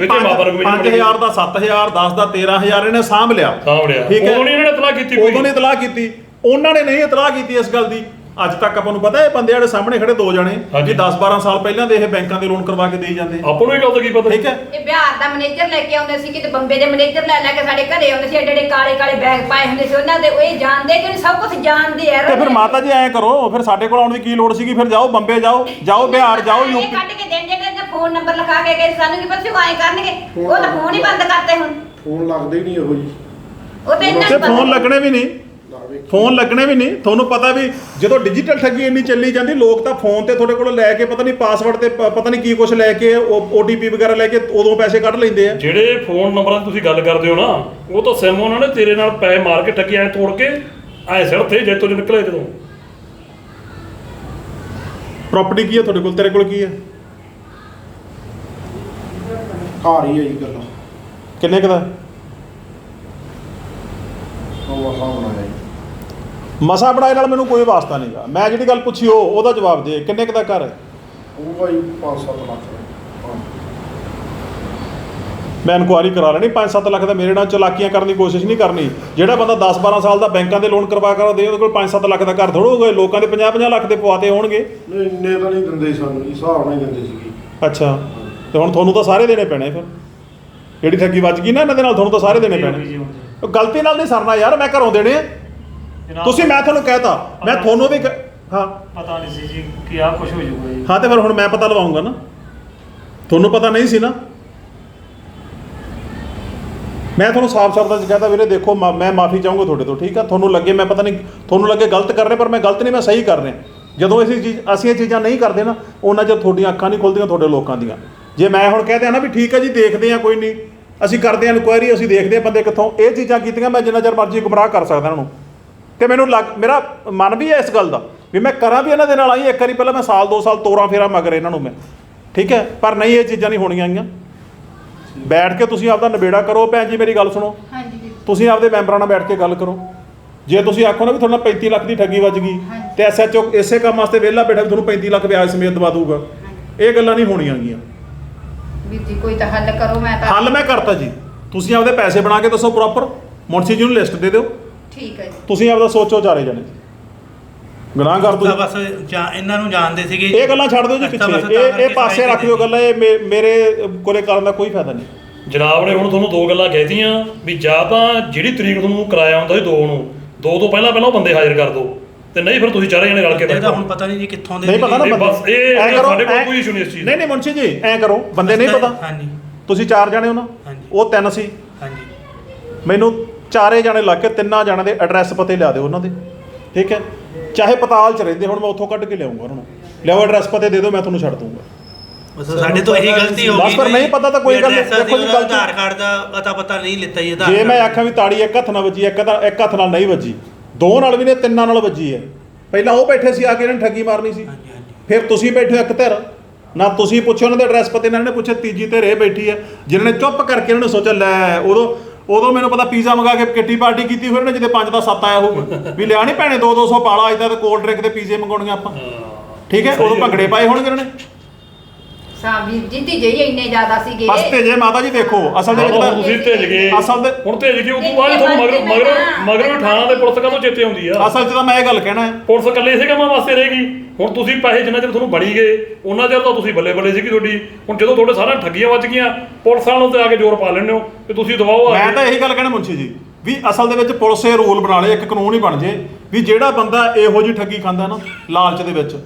S1: 5,000 ਦਾ 7,000 10 ਦਾ 13,000 ਇਹਨੇ ਸਾਂਭ ਲਿਆ, ਠੀਕ ਹੈ।
S2: ਉਦੋਂ ਨਹੀਂ ਇਹਨਾਂ ਨੇ ਇਤਲਾਹ ਕੀਤੀ,
S1: ਉਦੋਂ ਨਹੀਂ ਇਤਲਾਹ ਕੀਤੀ, ਉਹਨਾਂ ਨੇ ਨਹੀਂ ਇਤਲਾਹ ਕੀਤੀ ਇਸ ਗੱਲ ਦੀ। ਅੱਜ ਤੱਕ ਆਪਾਂ ਨੂੰ ਪਤਾ ਇਹ ਬੰਦੇ ਜਿਹੜੇ ਸਾਹਮਣੇ ਖੜੇ 2 ਜਣੇ ਜੀ 10-12 ਸਾਲ ਪਹਿਲਾਂ ਦੇ ਇਹ ਬੈਂਕਾਂ ਦੇ ਲੋਨ ਕਰਵਾ ਕੇ ਦੇਈ ਜਾਂਦੇ,
S2: ਆਪਾਂ ਨੂੰ ਇਹ ਗੱਲ ਤਾਂ ਕੀ ਪਤਾ,
S1: ਠੀਕ ਹੈ।
S3: ਇਹ ਬਿਹਾਰ ਦਾ ਮੈਨੇਜਰ ਲੈ ਕੇ ਆਉਂਦੇ ਸੀ, ਕਿਤੇ ਬੰਬੇ ਦੇ ਮੈਨੇਜਰ ਲੈ ਕੇ ਸਾਡੇ ਘਰੇ ਆਉਂਦੇ ਸੀ, ਐਡੇ ਕਾਲੇ ਬੈਗ ਪਾਏ ਹੁੰਦੇ ਸੀ ਉਹਨਾਂ ਦੇ, ਉਹ ਇਹ ਜਾਣਦੇ ਕਿ ਸਭ ਕੁਝ ਜਾਣਦੇ ਆ।
S1: ਤੇ ਫਿਰ ਮਾਤਾ ਜੀ ਐਂ ਕਰੋ, ਫਿਰ ਸਾਡੇ ਕੋਲ ਆਉਣ ਦੀ ਕੀ ਲੋੜ ਸੀਗੀ, ਫਿਰ ਜਾਓ ਬੰਬੇ ਜਾਓ ਬਿਹਾਰ ਜਾਓ,
S3: ਇਹ ਕੱਢ ਕੇ ਦੇਣ ਜਿਹੜੇ ਫੋਨ ਨੰਬਰ ਲਿਖਾ ਕੇ ਗਏ, ਸਾਨੂੰ ਕੀ ਪਤਾ ਉਹ ਐਂ ਕਰਨਗੇ, ਉਹ ਤਾਂ ਫੋਨ ਹੀ ਬੰਦ ਕਰਤੇ ਹੁਣ,
S6: ਫੋਨ ਲੱਗਦੇ ਹੀ ਨਹੀਂ ਇਹੋ ਜੀ,
S3: ਉਹ ਤਾਂ ਇਹਨਾਂ
S1: ਤੇ
S3: ਨੂੰ
S1: ਫੋਨ ਲੱਗਣੇ ਵੀ ਨਹੀਂ, ਤੁਹਾਨੂੰ ਪਤਾ ਵੀ ਜਦੋਂ ਡਿਜੀਟਲ ਠੱਗੀ ਇੰਨੀ ਚੱਲੀ ਜਾਂਦੀ, ਲੋਕ ਤਾਂ ਫੋਨ ਤੇ ਤੁਹਾਡੇ ਕੋਲ ਲੈ ਕੇ ਪਤਾ ਨਹੀਂ ਪਾਸਵਰਡ ਤੇ ਪਤਾ ਨਹੀਂ ਕੀ ਕੁਝ ਲੈ ਕੇ OTP ਵਗੈਰਾ ਲੈ ਕੇ ਉਦੋਂ ਪੈਸੇ ਕੱਢ ਲੈਂਦੇ ਆ।
S2: ਜਿਹੜੇ ਫੋਨ ਨੰਬਰਾਂ ਦੀ ਤੁਸੀਂ ਗੱਲ ਕਰਦੇ ਹੋ ਨਾ, ਉਹ ਤਾਂ ਸਿਮ ਉਹਨਾਂ ਨੇ ਤੇਰੇ ਨਾਲ ਪੈਸੇ ਮਾਰ ਕੇ ਠੱਗੀ ਐ ਤੋੜ ਕੇ ਐ ਸਿਰ ਤੇ ਜੇ ਤੋਂ ਨਿਕਲੇ। ਜਦੋਂ
S1: ਪ੍ਰਾਪਰਟੀ ਕੀ ਹੈ ਤੁਹਾਡੇ ਕੋਲ, ਤੇਰੇ ਕੋਲ ਕੀ ਹੈ?
S6: ਘਰ ਹੀ ਹੈ ਜੀ ਗੱਲਾਂ,
S1: ਕਿੰਨੇ ਕੁ ਦਾ
S6: ਉਹ ਸਾਹਮਣਾ ਹੈ।
S1: ਮਸਾ ਬਣਾਏ ਨਾਲ ਮੈਨੂੰ ਕੋਈ ਵਾਸਤਾ ਨਹੀਂਗਾ, ਮੈਂ ਜਿਹੜੀ ਗੱਲ ਪੁੱਛੀ ਉਹਦਾ ਜਵਾਬ ਦੇ। ਕਿੰਨੇ ਕੁ ਦਾ ਘਰ ਹੈ?
S6: ਉਹ ਭਾਈ 5-7 ਲੱਖ ਦਾ।
S1: ਮੈਂ ਇਨਕੁਆਇਰੀ ਕਰਾ ਲੈਣੀ, 5-7 ਲੱਖ ਦਾ ਮੇਰੇ ਨਾਲ ਚਲਾਕੀਆਂ ਕਰਨ ਦੀ ਕੋਸ਼ਿਸ਼ ਨਹੀਂ ਕਰਨੀ। ਜਿਹੜਾ ਬੰਦਾ 10-12 ਸਾਲ ਦਾ ਬੈਂਕਾਂ ਦੇ ਲੋਨ ਕਰਵਾ ਦੇ, ਉਹਦੇ ਕੋਲ 5-7 ਲੱਖ ਦਾ ਘਰ ਥੋੜ੍ਹਾ ਹੋਊਗਾ। ਲੋਕਾਂ ਦੇ 50-50 ਲੱਖ ਦੇ ਪਵਾਤੇ ਹੋਣਗੇ।
S6: ਨਹੀਂ ਇੰਨੇ ਤਾਂ ਨਹੀਂ ਦਿੰਦੇ ਸਾਨੂੰ, ਹਿਸਾਬ ਨਾਲ ਹੀ ਦਿੰਦੇ ਸੀਗੇ।
S1: ਅੱਛਾ, ਤੇ ਹੁਣ ਤੁਹਾਨੂੰ ਤਾਂ ਸਾਰੇ ਦੇਣੇ ਪੈਣੇ। ਫਿਰ ਜਿਹੜੀ ਠੱਗੀ ਵੱਜ ਗਈ ਨਾ ਇਹਨਾਂ ਦੇ ਨਾਲ, ਤੁਹਾਨੂੰ ਤਾਂ ਸਾਰੇ ਦੇਣੇ ਪੈਣੇ। ਗਲਤੀ ਨਾਲ ਨਹੀਂ ਸਰਨਾ ਯਾਰ, ਮੈਂ ਘਰੋਂ ਦੇਣੇ ਆ। ਤੁਸੀਂ, ਮੈਂ ਤੁਹਾਨੂੰ ਕਹਿਤਾ, ਮੈਂ ਤੁਹਾਨੂੰ ਵੀ ਹਾਂ
S5: ਪਤਾ ਨਹੀਂ ਸੀ ਜੀ ਕਿ ਆਹ ਕੁਝ ਹੋ ਜਾਊਗਾ ਜੀ।
S1: ਹਾਂ, ਤੇ ਫਿਰ ਹੁਣ ਮੈਂ ਪਤਾ ਲਵਾਉਂਗਾ ਨਾ, ਤੁਹਾਨੂੰ ਪਤਾ ਨਹੀਂ ਸੀ ਨਾ। ਮੈਂ ਤੁਹਾਨੂੰ ਸਾਫ਼ ਸ਼ਬਦਾਂ 'ਚ ਕਹਿਤਾ ਵੀਰੇ ਦੇਖੋ, ਮੈਂ ਮਾਫੀ ਚਾਹੂੰਗਾ ਤੁਹਾਡੇ ਤੋਂ, ਠੀਕ ਆ। ਤੁਹਾਨੂੰ ਲੱਗੇ ਮੈਂ ਪਤਾ ਨਹੀਂ, ਤੁਹਾਨੂੰ ਲੱਗੇ ਗਲਤ ਕਰ ਰਹੇ, ਪਰ ਮੈਂ ਗਲਤ ਨਹੀਂ, ਮੈਂ ਸਹੀ ਕਰ ਰਿਹਾ। ਜਦੋਂ ਅਸੀਂ ਇਹ ਚੀਜ਼ਾਂ ਨਹੀਂ ਕਰਦੇ ਨਾ, ਉਹਨਾਂ 'ਚ ਤੁਹਾਡੀਆਂ ਅੱਖਾਂ ਨਹੀਂ ਖੁੱਲਦੀਆਂ ਤੁਹਾਡੇ ਲੋਕਾਂ ਦੀਆਂ। ਜੇ ਮੈਂ ਹੁਣ ਕਹਿ ਦਿਆਂ ਨਾ ਵੀ ਠੀਕ ਹੈ ਜੀ, ਦੇਖਦੇ ਆ, ਕੋਈ ਨਹੀਂ, ਅਸੀਂ ਕਰਦੇ ਹਾਂ ਇਨਕੁਆਇਰੀ, ਅਸੀਂ ਦੇਖਦੇ ਹਾਂ ਬੰਦੇ ਕਿੱਥੋਂ ਇਹ ਚੀਜ਼ਾਂ ਕੀਤੀਆਂ, ਮੈਂ ਜਿੰਨਾ ਚਿਰ ਮਰਜ਼ੀ ਗੁੰਮਰਾਹ ਕਰ ਸਕਦਾ ਇਹਨਾਂ ਨੂੰ। ਤੇ ਮੈਨੂੰ ਮੇਰਾ ਮਨ ਵੀ ਹੈ ਇਸ ਗੱਲ ਦਾ ਵੀ ਮੈਂ ਕਰਾਂ ਵੀ ਇਹਨਾਂ ਦੇ ਨਾਲ ਆਈ ਇੱਕ ਵਾਰੀ, ਪਹਿਲਾਂ ਮੈਂ ਸਾਲ 2 ਸਾਲ ਤੋਰਾਂ ਫੇਰਾ ਮਗਰ ਇਹਨਾਂ ਨੂੰ ਮੈਂ, ਠੀਕ ਹੈ। ਪਰ ਨਹੀਂ, ਇਹ ਚੀਜ਼ਾਂ ਨਹੀਂ ਹੋਣੀਆਂ ਆਈਆਂ। ਬੈਠ ਕੇ ਤੁਸੀਂ ਆਪਦਾ ਨਿਬੇੜਾ ਕਰੋ। ਭੈਣ ਜੀ ਮੇਰੀ ਗੱਲ ਸੁਣੋ, ਤੁਸੀਂ ਆਪਦੇ ਮੈਂਬਰਾਂ ਨਾਲ ਬੈਠ ਕੇ ਗੱਲ ਕਰੋ। ਜੇ ਤੁਸੀਂ ਆਖੋ ਨਾ ਵੀ ਤੁਹਾਡਾ 35 ਲੱਖ ਦੀ ਠੱਗੀ ਵੱਜ ਗਈ, ਤੇ SHO ਇਸੇ ਕੰਮ ਵਾਸਤੇ ਵਿਹਲਾ ਬੈਠਾ ਵੀ ਤੁਹਾਨੂੰ 35 ਲੱਖ ਵਿਆਜ ਸਮੇਤ ਦਵਾ ਦੂਗਾ, ਇਹ ਗੱਲਾਂ ਨਹੀਂ ਹੋਣੀਆਂ ਗੀਆਂ।
S3: ਵੀਰ ਜੀ ਕੋਈ ਤਾਂ ਹੱਲ ਕਰੋ। ਮੈਂ ਤਾਂ
S1: ਹੱਲ ਮੈਂ ਕਰਤਾ ਜੀ, ਤੁਸੀਂ ਆਪਦੇ ਪੈਸੇ ਬਣਾ ਕੇ ਦੱਸੋ ਪ੍ਰੋਪਰ, ਮੁਨਸ਼ੀ ਜੀ ਨੂੰ ਲਿਸਟ ਦੇ ਦਿਓ।
S3: ਠੀਕ ਹੈ ਜੀ,
S1: ਤੁਸੀਂ ਆਪਦਾ ਸੋਚੋ ਚਾਰੇ ਜਣੇ। ਗੁਨਾਹਗਰ ਤੁਸੀਂ
S7: ਬਸ ਇਹਨਾਂ ਨੂੰ ਜਾਣਦੇ ਸੀਗੇ,
S1: ਇਹ ਗੱਲਾਂ ਛੱਡ ਦਿਓ ਜੀ ਪਿੱਛੇ, ਇਹ ਪਾਸੇ ਰੱਖ ਦਿਓ ਗੱਲਾਂ, ਇਹ ਮੇਰੇ ਕੋਲੇ ਕਰਨ ਦਾ ਕੋਈ ਫਾਇਦਾ ਨਹੀਂ।
S2: ਜਨਾਬ ਨੇ ਹੁਣ ਤੁਹਾਨੂੰ 2 ਗੱਲਾਂ ਕਹਿਤੀਆਂ ਵੀ ਜਾਂ ਤਾਂ ਜਿਹੜੀ ਤਰੀਕ ਤੁਹਾਨੂੰ ਕਿਰਾਇਆ ਹੁੰਦਾ ਸੀ 2 ਨੂੰ, 2 ਤੋਂ ਪਹਿਲਾਂ ਉਹ ਬੰਦੇ ਹਾਜ਼ਰ ਕਰ ਦਿਓ, ਤੇ ਨਹੀਂ ਫਿਰ ਤੁਸੀਂ ਚਾਰੇ ਜਣੇ ਰਲ ਕੇ
S7: ਇਹਦਾ ਹੁਣ ਪਤਾ ਨਹੀਂ ਜੀ ਕਿੱਥੋਂ ਦੇ
S1: ਨਹੀਂ ਪਤਾ ਨਾ
S2: ਬਸ ਇਹ ਸਾਡੇ ਕੋਲ ਕੋਈ ਇਸ਼ੂ ਨਹੀਂ ਇਸ ਚੀਜ਼।
S1: ਨਹੀਂ ਮੁਨਸ਼ੀ ਜੀ ਐਂ ਕਰੋ, ਬੰਦੇ ਨਹੀਂ ਪਤਾ,
S7: ਹਾਂਜੀ
S1: ਤੁਸੀਂ 4 ਜਾਣੇ ਹੋ ਨਾ,
S7: ਹਾਂਜੀ।
S1: ਉਹ 3 ਸੀ।
S7: ਹਾਂਜੀ
S1: ਮੈਨੂੰ 4 ਜਾਣੇ ਲੱਗ ਕੇ 3 ਜਾਣਿਆਂ ਦੇ ਐਡਰੈਸ ਪਤੇ ਲਿਆ ਦਿਓ ਉਹਨਾਂ ਦੇ, ਠੀਕ ਹੈ। ਚਾਹੇ ਪਤਾਲ ਚ ਰਹਿੰਦੇ, ਹੁਣ ਮੈਂ ਉੱਥੋਂ ਕੱਢ ਕੇ ਲਿਆਉਂਗਾ ਉਹਨਾਂ ਨੂੰ, ਲਿਆਓ ਐਡਰੈਸ ਪਤੇ ਦੇ ਦਿਓ, ਮੈਂ ਤੁਹਾਨੂੰ ਛੱਡ ਦੂੰਗਾ।
S7: ਬਸ ਸਾਡੇ ਤੋਂ ਇਹੀ ਗਲਤੀ ਹੋ ਗਈ।
S1: ਬਸ ਪਰ ਨਹੀਂ ਪਤਾ ਤਾਂ ਕੋਈ ਗੱਲ ਨਹੀਂ। ਦੇਖੋ ਜੀ ਗਲਤੀ
S7: ਆਧਾਰ ਕਾਰਡ ਦਾ ਅਤਾ ਪਤਾ ਨਹੀਂ ਲਿੱਤਾ ਜੀ।
S1: ਜੇ ਮੈਂ ਆਖਾਂ ਵੀ ਤਾੜੀ ਇੱਕ ਹੱਥ ਨਾਲ ਵੱਜੀ, ਇੱਕ ਹੱਥ ਨਾਲ ਨਹੀਂ ਵੱਜੀ, 2 ਨਾਲ ਵੀ ਨੇ, 3 ਨਾਲ ਵੱਜੀ ਹੈ। ਪਹਿਲਾਂ ਉਹ ਬੈਠੇ ਸੀ ਆ ਕੇ ਇਹਨਾਂ ਨੇ ਠੱਗੀ ਮਾਰਨੀ ਸੀ,
S7: ਹਾਂਜੀ ਹਾਂਜੀ
S1: ਫਿਰ ਤੁਸੀਂ ਬੈਠੇ ਹੋ ਇੱਕ ਧਿਰ ਨਾ, ਤੁਸੀਂ ਪੁੱਛਿਆ ਉਹਨਾਂ ਦੇ ਐਡਰੈਸ ਪਤੇ, ਇਹਨਾਂ ਨੇ ਪੁੱਛਿਆ, ਤੀਜੀ ਧਿਰ ਇਹ ਬੈਠੀ ਹੈ ਜਿਨ੍ਹਾਂ ਨੇ ਚੁੱਪ ਕਰਕੇ ਇਹਨਾਂ ਨੇ ਸੋਚਿਆ ਲੈ ਉਦੋਂ ਮੈਨੂੰ ਪਤਾ ਪੀਜ਼ਾ ਮੰਗਾ ਕੇ ਕਿੱਟੀ ਪਾਰਟੀ ਕੀਤੀ ਹੋਈ ਨੇ, ਜਿਹਦੇ 5 ਦਾ 7 ਆਇਆ ਹੋਊਗਾ ਵੀ ਲਿਆ ਨਹੀਂ ਭੈਣੇ 200 ਪਾਲਾ ਇਦਾਂ ਤੇ ਕੋਲਡ ਡਰਿੰਕ ਤੇ ਪੀਜ਼ੇ ਮੰਗਾਉਣਗੇ ਆਪਾਂ, ਠੀਕ ਹੈ। ਉਦੋਂ ਭੰਗੜੇ ਪਾਏ ਹੋਣਗੇ ਇਹਨਾਂ ਨੇ।
S3: ਵੀਰ ਜੀ ਧੀਜੇ ਹੀ ਇੰਨੇ ਜ਼ਿਆਦਾ ਸੀਗੇ।
S1: ਬਸ ਤੇਜੇ ਮਾਤਾ ਜੀ ਦੇਖੋ ਅਸਲ ਦੇ ਵਿੱਚ
S2: ਤੁਸੀਂ ਭੇਜ ਗਏ,
S1: ਅਸਲ ਦੇ
S2: ਹੁਣ ਭੇਜ ਗਏ, ਉਸ ਤੋਂ ਬਾਅਦ ਤੁਹਾਨੂੰ ਮਗਰੋਂ ਥਾਣਾ ਦੇ ਪੁਲਿਸ ਕਦੋਂ ਚੇਤੇ ਆਉਂਦੀ ਆ?
S1: ਅਸਲ 'ਚ ਤਾਂ ਮੈਂ ਇਹ ਗੱਲ ਕਹਿਣਾ ਹੈ,
S2: ਪੁਲਿਸ ਇਕੱਲੇ ਇਸੇ ਕੰਮਾਂ ਵਾਸਤੇ ਰਹੇਗੀ। ਹੁਣ ਤੁਸੀਂ ਪੈਸੇ ਜਿੰਨਾ ਚਿਰ ਤੁਹਾਨੂੰ ਬਣੀ ਗਏ ਉਹਨਾਂ ਚਿਰ ਤਾਂ ਤੁਸੀਂ ਬੱਲੇ ਬੱਲੇ ਸੀਗੀ ਤੁਹਾਡੀ। ਹੁਣ ਜਦੋਂ ਤੁਹਾਡੇ ਸਾਰਾ ਠੱਗੀਆਂ ਵੱਜ ਗਈਆਂ, ਪੁਲਿਸ ਵਾਲਿਆਂ ਨੂੰ ਤੇ ਆ ਕੇ ਜ਼ੋਰ ਪਾ ਲੈਂਦੇ ਹੋ ਕਿ ਤੁਸੀਂ ਦਵਾਓ।
S1: ਮੈਂ ਤਾਂ ਇਹੀ ਗੱਲ ਕਹਿਣਾ ਮੁੰਸ਼ੀ ਜੀ ਵੀ ਅਸਲ ਦੇ ਵਿੱਚ ਪੁਲਿਸ ਇਹ ਰੂਲ ਬਣਾ ਲੇ, ਇੱਕ ਕਾਨੂੰਨ ਹੀ ਬਣ ਜੇ ਵੀ ਜਿਹੜਾ ਬੰਦਾ ਇਹੋ ਜਿਹੀ ਠੱਗੀ ਖਾਂਦਾ ਨਾ ਲਾਲਚ ਦੇ ਵਿੱਚ,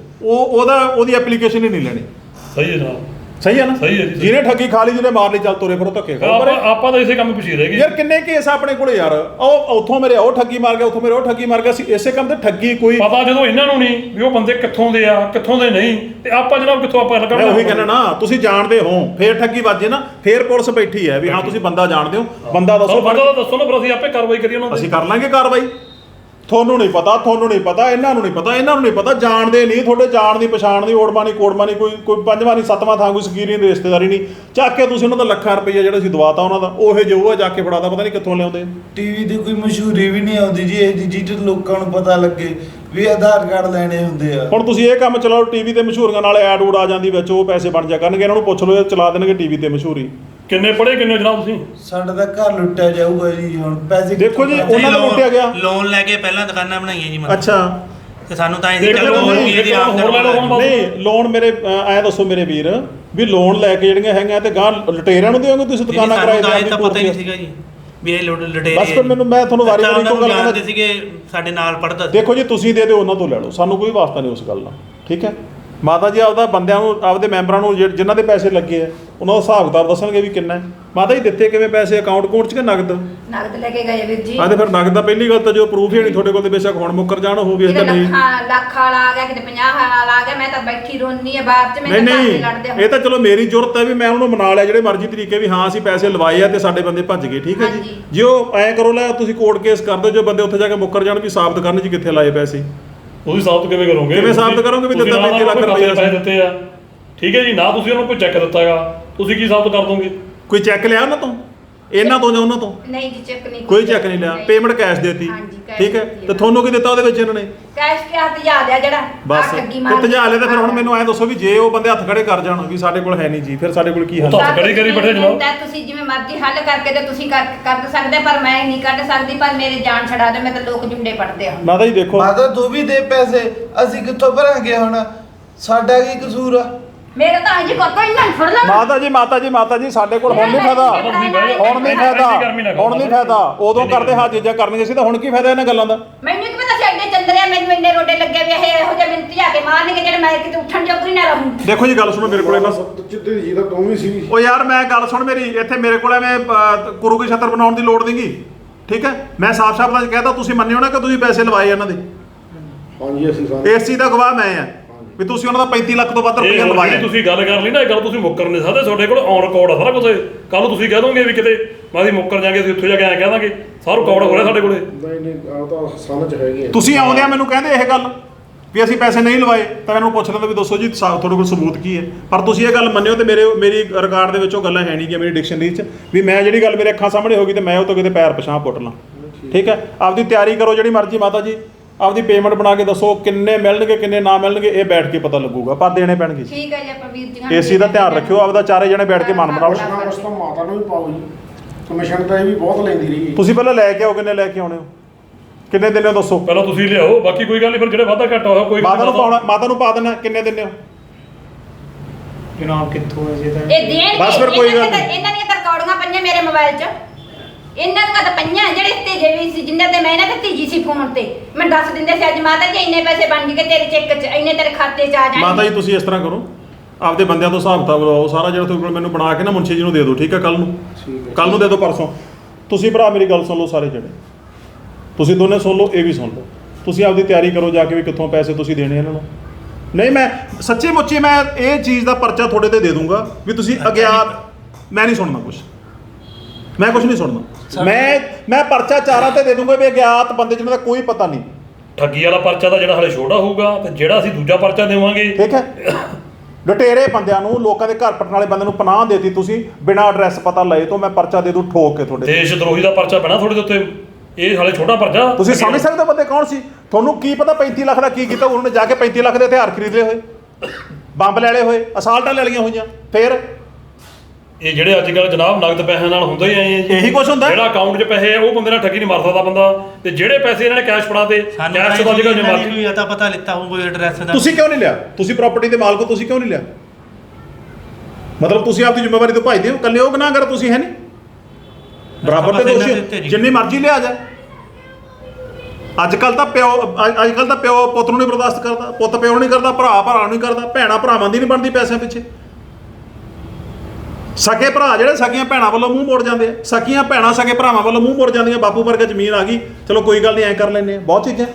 S1: ਉਹਦੀ ਐਪਲੀਕੇਸ਼ਨ ਹੀ ਨਹੀਂ ਲੈਣੀ।
S2: ਸਹੀ ਹੈ ਜਨਾਬ,
S1: ਸਹੀ ਹੈ ਨਾ?
S2: ਸਹੀ ਹੈ ਜੀ।
S1: ਜਿਹਨੇ ਠੱਗੀ ਖਾ ਲਈ, ਜਿਹਨੇ ਮਾਰ ਲਈ, ਚੱਲ ਤੁਰੇ ਫਿਰੋ ਧੱਕੇ ਖਾਓ।
S2: ਆਪਾਂ ਤਾਂ ਇਸੇ ਕੰਮ ਪਿੱਛੇ ਰਹਿ ਗਏ
S1: ਯਾਰ ਕਿੰਨੇ ਕੇਸ ਆਪਣੇ ਕੋਲੇ ਯਾਰ, ਉਹ ਉੱਥੋਂ ਮੇਰੇ ਉਹ ਠੱਗੀ ਮਾਰ ਗਿਆ, ਉੱਥੋਂ ਮੇਰੇ ਉਹ ਠੱਗੀ ਮਾਰ ਗਿਆ ਸੀ, ਇਸੇ ਕੰਮ ਤੇ ਠੱਗੀ ਕੋਈ
S2: ਪਤਾ ਜਦੋਂ ਇਹਨਾਂ ਨੂੰ ਨਹੀਂ ਵੀ ਉਹ ਬੰਦੇ ਕਿੱਥੋਂ ਦੇ ਆ ਕਿੱਥੋਂ ਦੇ ਨਹੀਂ, ਤੇ ਆਪਾਂ ਜਨਾਬ ਕਿੱਥੋਂ ਆਪਾਂ
S1: ਮੈਂ
S2: ਲੱਗਣਾ।
S1: ਉਹੀ ਕਹਿੰਦਾ ਨਾ, ਤੁਸੀਂ ਜਾਣਦੇ ਹੋ, ਫੇਰ ਠੱਗੀ ਵੱਜੇ ਨਾ, ਫੇਰ ਪੁਲਿਸ ਬੈਠੀ ਹੈ ਵੀ ਹਾਂ ਤੁਸੀਂ ਬੰਦਾ ਜਾਣਦੇ ਹੋ, ਬੰਦਾ ਦੱਸੋ।
S2: ਬੰਦਾ ਤਾਂ ਦੱਸੋ ਨਾ, ਫਿਰ ਅਸੀਂ ਆਪੇ ਕਾਰਵਾਈ ਕਰੀਏ ਉਹਨਾਂ
S1: ਅਸੀਂ ਕਰ ਲਾਂਗੇ ਕਾਰਵਾਈ। ਤੁਹਾਨੂੰ ਨਹੀਂ ਪਤਾ, ਇਹਨਾਂ ਨੂੰ ਨਹੀਂ ਪਤਾ, ਜਾਣਦੇ ਨਹੀਂ, ਤੁਹਾਡੇ ਜਾਣ ਦੀ ਪਛਾਣ ਦੀ ਓੜਮਾ ਨਹੀਂ ਕੋੜਮਾ ਨਹੀਂ, ਕੋਈ ਪੰਜਵਾਂ ਨਹੀਂ ਸੱਤਵਾਂ ਥਾਂ ਕੋਈ ਸਕੀਰੀ ਨਹੀਂ, ਰਿਸ਼ਤੇਦਾਰੀ ਨਹੀਂ, ਚੱਕ ਕੇ ਤੁਸੀਂ ਉਹਨਾਂ ਦਾ ਲੱਖਾਂ ਰੁਪਈਆ ਜਿਹੜਾ ਸੀ ਦਵਾਤਾ ਉਹਨਾਂ ਦਾ, ਉਹੇ ਜੋ ਆ ਜਾ ਕੇ ਫੜਾਦਾ, ਪਤਾ ਨਹੀਂ ਕਿੱਥੋਂ ਲਿਆਉਂਦੇ।
S4: ਟੀਵੀ ਦੀ ਕੋਈ ਮਸ਼ਹੂਰੀ ਵੀ ਨਹੀਂ ਆਉਂਦੀ ਜੀ ਇਹ ਜਿਹਦੇ ਲੋਕਾਂ ਨੂੰ ਪਤਾ ਲੱਗੇ ਵੀ ਆਧਾਰ ਕਾਰਡ ਲੈਣੇ ਹੁੰਦੇ ਆ।
S1: ਹੁਣ ਤੁਸੀਂ ਇਹ ਕੰਮ ਚਲਾਓ, ਟੀਵੀ ਤੇ ਮਸ਼ਹੂਰੀਆਂ ਨਾਲ ਐਡ ਊਡ ਆ ਜਾਂਦੀ ਵਿੱਚ, ਉਹ ਪੈਸੇ ਬਣ ਜਾ ਕਰਨਗੇ। ਇਹਨਾਂ ਨੂੰ ਪੁੱਛ ਲਓ, ਇਹ ਚਲਾ ਦੇਣਗੇ ਟੀਵੀ ਤੇ ਮਸ਼ਹੂਰੀ।
S2: ਕਿੰਨੇ ਪੜ੍ਹੇ ਕਿੰਨੇ ਜਨਾਬ ਤੁਸੀਂ?
S4: ਸਾਡਾ ਤਾਂ ਘਰ ਲੁੱਟਿਆ ਜਾਊਗਾ ਜੀ। ਹੁਣ ਪੈਸੇ
S1: ਦੇਖੋ ਜੀ, ਉਹਨਾਂ ਦਾ ਲੁੱਟਿਆ ਗਿਆ।
S7: ਲੋਨ ਲੈ ਕੇ ਪਹਿਲਾਂ ਦੁਕਾਨਾਂ ਬਣਾਈਆਂ ਜੀ ਮਤਲਬ।
S1: ਅੱਛਾ,
S7: ਤੇ ਸਾਨੂੰ ਤਾਂ
S2: ਦੇਖ
S7: ਚਲੋ
S2: ਲਓ,
S7: ਹੋਰ ਵੀ ਇਹਦੀ ਆਮਦਨ
S1: ਨਹੀਂ ਲੋਨ ਮੇਰੇ ਐ ਦੱਸੋ ਮੇਰੇ ਵੀਰ ਵੀ ਲੋਨ ਲੈ ਕੇ ਜਿਹੜੀਆਂ ਹੈਗੀਆਂ ਤੇ ਗਾਂ ਲੁਟੇਰਿਆਂ ਨੂੰ ਦਿਓਗੇ ਤੁਸੀਂ ਦੁਕਾਨਾਂ ਕਿਰਾਏ ਤੇ?
S7: ਤਾਂ ਪਤਾ ਹੀ ਨਹੀਂ ਸੀਗਾ ਜੀ ਵੀ ਇਹ ਲੁਟੇਰੇ।
S1: ਬਸ ਫਿਰ ਮੈਂ ਤੁਹਾਨੂੰ ਵਾਰੀ ਇੱਕੋ ਗੱਲ
S7: ਕਹਿੰਦਾ ਸੀਗੇ ਸਾਡੇ ਨਾਲ ਪੜਦਾ।
S1: ਦੇਖੋ ਜੀ, ਤੁਸੀਂ ਦੇ ਦਿਓ ਉਹਨਾਂ ਤੋਂ ਲੈ ਲਓ, ਸਾਨੂੰ ਕੋਈ ਵਾਸਤਾ ਨਹੀਂ ਉਸ ਗੱਲ ਨਾਲ, ਠੀਕ ਹੈ। ਮਾਤਾ ਜੀ ਆਪਦਾ ਬੰਦਿਆਂ ਨੂੰ, ਆਪਦੇ ਮੈਂਬਰਾਂ ਨੂੰ ਜਿਨ੍ਹਾਂ ਦੇ ਪੈਸੇ ਲੱਗੇ ਆ ਉਹਨਾਂ ਦਾ ਹਿਸਾਬ ਕਿਤਾਬ ਦੱਸਣਗੇ ਵੀ ਕਿੰਨਾ ਹੈ। ਮਾਤਾ ਜੀ ਦਿੱਤੇ ਕਿਵੇਂ ਪੈਸੇ, ਅਕਾਊਂਟ ਚ ਕਿ ਨਗਦ?
S3: ਨਗਦ ਲੈ ਕੇ ਗਏ ਵੀਰ ਜੀ।
S1: ਤੇ ਫਿਰ ਨਗਦ ਦਾ ਪਹਿਲੀ ਗੱਲ ਤਾਂ ਜੋ ਪ੍ਰੂਫ ਹੀ ਨਹੀਂ ਤੁਹਾਡੇ ਕੋਲ, ਤੇ ਬੇਸ਼ੱਕ ਹੁਣ ਮੁੱਕਰ ਜਾਣ ਉਹ ਵੀ ਇਹਦਾ ਨਹੀਂ।
S3: ਲੱਖ ਵਾਲਾ ਆ ਗਿਆ, ਕਿਤੇ 50 ਵਾਲਾ ਆ ਗਿਆ, ਮੈਂ ਤਾਂ ਬੈਠੀ ਰੋਨੀ ਆ ਬਾਅਦ ਚ।
S1: ਨਹੀਂ ਇਹ ਤਾਂ ਚਲੋ ਮੇਰੀ ਜ਼ਰੂਰਤ ਹੈ ਵੀ ਮੈਂ ਉਹਨੂੰ ਮਨਾ ਲਿਆ ਜਿਹੜੇ ਮਰਜ਼ੀ ਤਰੀਕੇ ਵੀ ਹਾਂ ਅਸੀਂ ਪੈਸੇ ਲਵਾਏ ਆ ਤੇ ਸਾਡੇ ਬੰਦੇ ਭੱਜ ਗਏ, ਠੀਕ ਹੈ ਜੀ। ਜੇ ਉਹ ਐਂ ਕਰੋ ਲੈ ਤੁਸੀਂ ਕੋਰਟ ਕੇਸ ਕਰ ਦਿਓ, ਜੋ ਬੰਦੇ ਉੱਥੇ ਜਾ ਕੇ ਮੁੱਕਰ ਜਾਣ ਵੀ ਸਾਬਤ ਕਰਨ ਜੀ ਕਿੱਥੇ ਲਾਏ ਪੈਸੇ।
S2: ਤੁਸੀਂ ਸਾਬਤ ਕਿਵੇਂ ਕਰੋਗੇ?
S1: ਕਿਵੇਂ ਸਾਬਤ ਕਰੋਗੇ ਵੀ ਦਿੱਤਾ 35 ਲੱਖ ਰੁਪਏ
S2: ਪੈਸੇ ਦਿੱਤੇ ਆ, ਠੀਕ ਹੈ ਜੀ, ਨਾ ਤੁਸੀਂ ਉਹਨੂੰ ਕੋਈ ਚੈੱਕ ਦਿੱਤਾਗਾ, ਤੁਸੀਂ ਕੀ ਸਾਬਤ ਕਰ ਦੋਗੇ?
S1: ਕੋਈ ਚੈੱਕ ਲਿਆ ਉਹਨਾਂ ਤੋਂ, ਇਹਨਾਂ ਤੋਂ ਜਾਂ ਉਹਨਾਂ ਤੋਂ?
S3: ਨਹੀਂ ਜੀ, ਚੈੱਕ ਨਹੀਂ,
S1: ਕੋਈ ਚੈੱਕ ਨਹੀਂ ਲਿਆ, ਪੇਮੈਂਟ ਕੈਸ਼ ਦੇਤੀ, ਠੀਕ ਹੈ। ਤੇ ਤੁਹਾਨੂੰ ਕੀ ਦਿੱਤਾ ਉਹਦੇ ਵਿੱਚ ਇਹਨਾਂ ਨੇ?
S3: ਕੈਸ਼ ਕੇ ਹੱਥ ਜਾ ਲਿਆ ਜਿਹੜਾ
S1: ਬਸ ਤੇ ਤਜਾ ਲਿਆ। ਤੇ ਫਿਰ ਹੁਣ ਮੈਨੂੰ ਐਂ ਦੱਸੋ ਵੀ ਜੇ ਉਹ ਬੰਦੇ ਹੱਥ ਖੜੇ ਕਰ ਜਾਣ ਵੀ ਸਾਡੇ ਕੋਲ ਹੈ ਨਹੀਂ ਜੀ, ਫਿਰ ਸਾਡੇ ਕੋਲ ਕੀ ਹੱਲ?
S2: ਹੱਥ ਖੜੇ ਕਰੀ ਬੈਠੇ ਜਨਾਬ।
S3: ਤੁਸੀਂ ਜਿਵੇਂ ਮਰਜ਼ੀ ਹੱਲ ਕਰਕੇ ਤੇ ਤੁਸੀਂ ਕਰ ਸਕਦੇ, ਪਰ ਮੈਂ ਨਹੀਂ ਕੱਢ ਸਕਦੀ, ਪਰ ਮੇਰੇ ਜਾਨ ਛਡਾ ਦੇ, ਮੈਂ ਤਾਂ ਲੋਕ ਜੁੰਡੇ ਪੜਦੇ ਆ।
S1: ਮਾਤਾ ਜੀ ਦੇਖੋ,
S4: ਮਾਤਾ ਤੂੰ ਵੀ ਦੇ ਪੈਸੇ, ਅਸੀਂ ਕਿੱਥੋਂ ਭਰਾਂਗੇ ਹੁਣ? ਸਾਡਾ ਕੀ ਕਸੂਰ ਆ?
S3: ਮੇਰਾ ਤਾਂ ਅਜੇ ਕੋਈ ਨਾ ਫੜ ਲੈ।
S1: ਮਾਤਾ ਜੀ ਸਾਡੇ ਕੋਲ ਹੁਣ ਨਹੀਂ ਫਾਇਦਾ, ਹੁਣ ਨਹੀਂ ਫਾਇਦਾ। ਉਦੋਂ ਕਰਦੇ ਹਾਂ ਚੀਜ਼ਾਂ ਕਰਨੀਆਂ ਸੀ ਤਾਂ ਹੁਣ ਕੀ ਫਾਇਦਾ ਇਹਨਾਂ ਗੱਲਾਂ ਦਾ?
S3: ਮੈਨੂੰ ਕੀ ਪਤਾ ਸੀ ਐਡੇ ਚੰਦਰਿਆ, ਮੈਨੂੰ ਇੰਨੇ ਰੋਡੇ ਲੱਗੇ ਵੀ ਇਹੋ ਜਿਹੇ ਮਿੰਤੀ ਆ ਕੇ ਮਾਰਨਗੇ ਜਿਹੜੇ ਮੈਂ ਕਿਤੇ ਉੱਠਣ ਜੋਗਰੀ ਨਾ ਰਹੂੰ।
S1: ਦੇਖੋ ਜੀ ਗੱਲ ਸੁਣੋ ਮੇਰੇ ਕੋਲੇ ਬਸ।
S6: ਚਿੱਤੇ ਜੀ ਤਾਂ ਤੂੰ ਵੀ ਸੀ।
S1: ਉਹ ਯਾਰ ਮੈਂ ਗੱਲ ਸੁਣ ਮੇਰੀ, ਇੱਥੇ ਮੇਰੇ ਕੋਲ ਐਵੇਂ ਗੁਰੂ ਕੀ ਛਤਰ ਬਣਾਉਣ ਦੀ ਲੋੜ ਨਹੀਂਗੀ, ਠੀਕ ਹੈ। ਮੈਂ ਸਾਫ਼-ਸਾਫ਼ ਤਾਂ ਕਹਿਦਾ, ਤੁਸੀਂ ਮੰਨਿਓ ਨਾ ਕਿ ਤੁਸੀਂ ਪੈਸੇ ਲਵਾਏ ਇਹਨਾਂ ਦੇ।
S6: ਹਾਂਜੀ ਅਸੀਂ ਸਾਰੇ
S1: ਇਸ ਚੀਜ਼ ਦਾ ਗਵਾਹ ਮੈਂ ਆ ਵੀ ਤੁਸੀਂ ਉਹਨਾਂ ਦਾ 35 ਲੱਖ ਤੋਂ ਵੱਧ ਰੁਪਏ ਲਵਾਏ।
S2: ਤੁਸੀਂ ਗੱਲ ਕਰ ਲਈ ਨਾ, ਇਹ ਗੱਲ ਤੁਸੀਂ ਮੁੱਕਰ ਨਹੀਂ ਸਕਦੇ, ਤੁਹਾਡੇ ਕੋਲ ਔਨ ਰਿਕਾਰਡ ਆ ਸਾਰਾ ਕੁਝ। ਕੱਲ ਨੂੰ ਤੁਸੀਂ ਕਹਿ ਦੋਗੇ ਵੀ ਕਿਤੇ ਮੈਂ ਮੁੱਕਰ ਜਾਗੇ, ਅਸੀਂ ਉੱਥੇ ਜਾ ਕੇ ਐਂ ਕਹਿ ਦਾਂਗੇ, ਸਾਰਾ ਰਿਕਾਰਡ ਹੋ ਰਿਹਾ ਸਾਡੇ ਕੋਲੇ।
S6: ਨਹੀਂ ਆ ਤਾਂ ਸਨ ਚ ਹੈਗੇ ਆ।
S1: ਤੁਸੀਂ ਆਉਂਦਿਆਂ ਮੈਨੂੰ ਕਹਿੰਦੇ ਇਹ ਗੱਲ ਵੀ ਅਸੀਂ ਪੈਸੇ ਨਹੀਂ ਲਵਾਏ, ਤਾਂ ਮੈਨੂੰ ਪੁੱਛ ਲੈਂਦਾ ਵੀ ਦੱਸੋ ਜੀ ਤੁਹਾਡੇ ਕੋਲ ਸਬੂਤ ਕੀ ਹੈ। ਪਰ ਤੁਸੀਂ ਇਹ ਗੱਲ ਮੰਨਿਓ ਤੇ ਮੇਰੀ ਰਿਕਾਰਡ ਦੇ ਵਿੱਚ ਉਹ ਗੱਲਾਂ ਹੈ ਨਹੀਂ ਕਿ ਮੇਰੀ ਡਿਕਸ਼ਨਰੀ 'ਚ ਵੀ ਮੈਂ ਜਿਹੜੀ ਗੱਲ ਮੇਰੇ ਅੱਖਾਂ ਸਾਹਮਣੇ ਹੋ ਗਈ ਤੇ ਮੈਂ ਉਹ ਤੋਂ ਕਿਤੇ ਪੈਰ ਪਛਾਂ ਪੁੱਟ ਲਾਂ, ਠੀਕ ਹੈ। ਆਪਦੀ ਤਿਆਰੀ ਕਰੋ ਜਿਹੜੀ ਮਰਜ਼ੀ ਮਾਤਾ ਜੀ, ਆਪਦੀ ਪੇਮੈਂਟ ਬਣਾ ਕੇ ਦੱਸੋ ਕਿੰਨੇ ਮਿਲਣਗੇ ਕਿੰਨੇ ਨਾ ਮਿਲਣਗੇ, ਇਹ ਬੈਠ ਕੇ ਪਤਾ ਲੱਗੂਗਾ, ਪਰ ਦੇਣੇ ਪੈਣਗੇ।
S3: ਠੀਕ ਹੈ ਜੀ, ਆਪਾਂ ਵੀਰ ਜੀ
S1: ਇਸ ਚੀਜ਼ ਦਾ ਧਿਆਨ ਰੱਖਿਓ, ਆਪਦਾ ਚਾਰੇ ਜਣੇ ਬੈਠ ਕੇ ਮਨ ਬਣਾਓ।
S6: ਉਸ ਤੋਂ ਮਾਤਾ ਨੂੰ ਵੀ ਪਾਓ ਜੀ, ਕਮਿਸ਼ਨ ਤਾਂ ਇਹ ਵੀ ਬਹੁਤ ਲੈਂਦੀ ਰਹੀ।
S1: ਤੁਸੀਂ ਪਹਿਲਾਂ ਲੈ ਕੇ ਆਓ, ਕਿੰਨੇ ਲੈ ਕੇ ਆਉਣੇ ਹੋ, ਕਿੰਨੇ ਦਿਨੇ ਹੋ ਦੱਸੋ?
S2: ਪਹਿਲਾਂ ਤੁਸੀਂ ਲਿਆਓ, ਬਾਕੀ ਕੋਈ ਗੱਲ ਨਹੀਂ, ਫਿਰ ਜਿਹੜੇ ਵਾਧਾ ਘਾਟਾ ਹੋਇਆ ਕੋਈ
S1: ਮਾਤਾ ਨੂੰ ਪਾ ਦੇਣਾ, ਕਿੰਨੇ ਦਿਨੇ ਹੋ
S5: ਜਨਾਬ? ਕਿੱਥੋਂ ਹੈ ਜੀ ਤਾਂ
S3: ਇਹ ਦੇਣ
S1: ਬਸ ਫਿਰ ਕੋਈ ਗੱਲ ਨਹੀਂ।
S3: ਇਹਨਾਂ ਦੀਆਂ ਤਾਂ ਰਿਕਾਰਡਿੰਗਾਂ ਪਈਆਂ ਮੇਰੇ ਮੋਬਾਈਲ 'ਚ, ਇਹਨਾਂ ਦੀਆਂ ਤਾਂ ਪਈਆਂ ਜਿਹੜੇ ਤੇਜੇ ਵੀ ਸੀ, ਜਿੰਨੇ ਤੇ ਮੈਂ ਇਹਨਾਂ ਤੇ ਤੀਜੀ ਸੀ ਫੋਨ ਤੇ, ਮੈਂ ਦੱਸ ਦਿੰਦੇ ਸੀ ਅੱਜ ਮਾਤਾ ਜੀ ਇੰਨੇ ਪੈਸੇ ਬਣ ਗਏ ਤੇਰੇ ਚੈੱਕ 'ਚ, ਇੰਨੇ ਤੇਰੇ ਖਾਤੇ 'ਚ ਆ ਜਾਣਗੇ।
S1: ਮਾਤਾ ਜੀ ਤੁਸੀਂ ਇਸ ਤਰ੍ਹਾਂ ਕਰੋ, ਆਪਦੇ ਬੰਦਿਆਂ ਤੋਂ ਹਿਸਾਬ ਕਿਤਾਬ ਲਵਾਓ ਸਾਰਾ, ਜਿਹੜਾ ਤੁਹਾਡੇ ਕੋਲ ਮੈਨੂੰ ਬਣਾ ਕੇ ਨਾ ਮੁੰਸ਼ੀ ਜੀ ਨੂੰ ਦੇ ਦਿਓ, ਠੀਕ ਹੈ? ਕੱਲ ਨੂੰ ਦੇ ਦਿਓ, ਪਰਸੋਂ। ਤੁਸੀਂ ਭਰਾ ਮੇਰੀ ਗੱਲ ਸੁਣ ਲਓ ਸਾਰੇ ਜਣੇ, ਤੁਸੀਂ ਦੋਨੇ ਸੁਣ ਲਓ, ਇਹ ਵੀ ਸੁਣ ਲਓ। ਤੁਸੀਂ ਆਪਦੀ ਤਿਆਰੀ ਕਰੋ ਜਾ ਕੇ ਵੀ ਕਿੱਥੋਂ ਪੈਸੇ ਤੁਸੀਂ ਦੇਣੇ ਇਹਨਾਂ ਨੂੰ। ਨਹੀਂ, ਮੈਂ ਸੱਚੀ ਮੁੱਚੀ ਮੈਂ ਇਹ ਚੀਜ਼ ਦਾ ਪਰਚਾ ਤੁਹਾਡੇ ਤੇ ਦੇ ਦੂੰਗਾ ਵੀ ਤੁਸੀਂ ਅਗਿਆਤ। ਮੈਂ ਨਹੀਂ ਸੁਣਨਾ ਕੁਛ, ਮੈਂ ਕੁਛ ਨਹੀਂ ਸੁਣਨਾ। ਮੈਂ ਪਰਚਾ ਚਾਰਾਂ ਤੇ ਦੇ ਦੂੰਗਾ ਵੀ ਅਗਿਆਤ ਬੰਦੇ ਜਿਹਨਾਂ ਦਾ ਕੋਈ ਪਤਾ ਨਹੀਂ।
S2: ਠੱਗੀ ਵਾਲਾ ਪਰਚਾ ਤਾਂ ਜਿਹੜਾ ਹਲੇ ਛੋਟਾ ਹੋਊਗਾ, ਤੇ ਜਿਹੜਾ ਅਸੀਂ ਦੂਜਾ ਪਰਚਾ ਦੇਵਾਂਗੇ,
S1: ਠੀਕ ਹੈ? ਲੁਟੇਰੇ ਬੰਦਿਆਂ ਨੂੰ, ਲੋਕਾਂ ਦੇ ਘਰ ਪਟਣ ਵਾਲੇ ਬੰਦੇ ਨੂੰ ਪਨਾਹ ਦੇਤੀ ਤੁਸੀਂ ਬਿਨਾਂ ਐਡਰੈਸ ਪਤਾ ਲਏ ਤੋਂ, ਮੈਂ ਪਰਚਾ ਦੇ ਦੂੰ ਠੋਕ ਕੇ ਤੁਹਾਡੇ।
S2: ਦੇਸ਼ ਦਰੋਹੀ ਦਾ ਪਰਚਾ ਪੈਣਾ ਤੁਹਾਡੇ ਦੇ ਉੱਤੇ। ਇਹ ਹਾਲੇ ਛੋਟਾ ਪਰਚਾ।
S1: ਤੁਸੀਂ ਸਮਝ ਸਕਦੇ ਹੋ ਬੰਦੇ ਕੌਣ ਸੀ? ਤੁਹਾਨੂੰ ਕੀ ਪਤਾ 35 ਲੱਖ ਦਾ ਕੀ ਕੀਤਾ? ਉਹਨਾਂ ਨੇ ਜਾ ਕੇ 35 ਲੱਖ ਦੇ ਹਥਿਆਰ ਖਰੀਦੇ ਹੋਏ, ਬੰਬ ਲੈ ਲਏ ਹੋਏ, ਅਸਾਲਟਾਂ ਲੈ ਲਈਆਂ ਹੋਈਆਂ। ਫਿਰ
S2: ਇਹ ਜਿਹੜੇ ਅੱਜ ਕੱਲ੍ਹ ਜਨਾਬ ਨਗਦ ਪੈਸਿਆਂ ਨਾਲ ਹੁੰਦਾ ਹੀ ਆਏ ਆ ਜੀ।
S1: ਇਹੀ ਕੁਛ ਹੁੰਦਾ।
S2: ਜਿਹੜਾ ਅਕਾਊਂਟ 'ਚ ਪੈਸੇ ਆ ਉਹ ਬੰਦੇ ਨਾਲ ਠੱਗੀ ਨਹੀਂ ਮਾਰ ਸਕਦਾ ਬੰਦਾ, ਤੇ ਜਿਹੜੇ ਪੈਸੇ ਇਹਨਾਂ ਨੇ ਕੈਸ਼ ਫੜਾਤੇ, ਕੈਸ਼ ਤੋਂ ਅੱਜ ਕੱਲ੍ਹ ਜਮਾਤੀ
S7: ਵੀ ਤਾਂ ਪਤਾ ਲਿੱਤਾ ਹੋਊ ਕੋਈ ਐਡਰੈਸ ਦਾ।
S1: ਤੁਸੀਂ ਕਿਉਂ ਨਹੀਂ ਲਿਆ? ਤੁਸੀਂ ਪ੍ਰਾਪਰਟੀ ਦੇ ਮਾਲਕ ਹੋ, ਤੁਸੀਂ ਕਿਉਂ ਨਹੀਂ ਲਿਆ? ਮਤਲਬ ਤੁਸੀਂ ਆਪਦੀ ਜ਼ਿੰਮੇਵਾਰੀ ਤੋਂ ਭੱਜਦੇ ਹੋ। ਇਕੱਲੇ ਉਹ ਗੁਨਾਹਗਰ ਤੁਸੀਂ ਹੈ ਨਹੀਂ, ਬਰਾਬਰ ਤੇ ਦੋਸ਼ੀ ਜਿੰਨੀ ਮਰਜ਼ੀ ਲਿਆ ਜਾ। ਅੱਜ ਕੱਲ ਤਾਂ ਪਿਓ ਪੁੱਤ ਨੂੰ ਨਹੀਂ ਬਰਦਾਸ਼ਤ ਕਰਦਾ, ਪੁੱਤ ਪਿਓ ਨੂੰ ਨਹੀਂ ਕਰਦਾ, ਭਰਾ ਨੂੰ ਨਹੀਂ ਕਰਦਾ, ਭੈਣਾਂ ਭਰਾਵਾਂ ਦੀ ਨਹੀਂ ਬਣਦੀ ਪੈਸਿਆਂ ਪਿੱਛੇ। ਸਕੇ ਭਰਾ ਜਿਹੜੇ ਸਕੀਆਂ ਭੈਣਾਂ ਵੱਲੋਂ ਮੂੰਹ ਮੋੜ ਜਾਂਦੇ ਆ, ਸਕੀਆਂ ਭੈਣਾਂ ਸਕੇ ਭਰਾਵਾਂ ਵੱਲੋਂ ਮੂੰਹ ਮੋੜ ਜਾਂਦੀਆਂ। ਬਾਪੂ ਵਰਗਾ ਜ਼ਮੀਨ ਆ ਗਈ, ਚਲੋ ਕੋਈ ਗੱਲ ਨਹੀਂ, ਐਂ ਕਰ ਲੈਂਦੇ ਆ। ਬਹੁਤ ਚੀਜ਼ਾਂ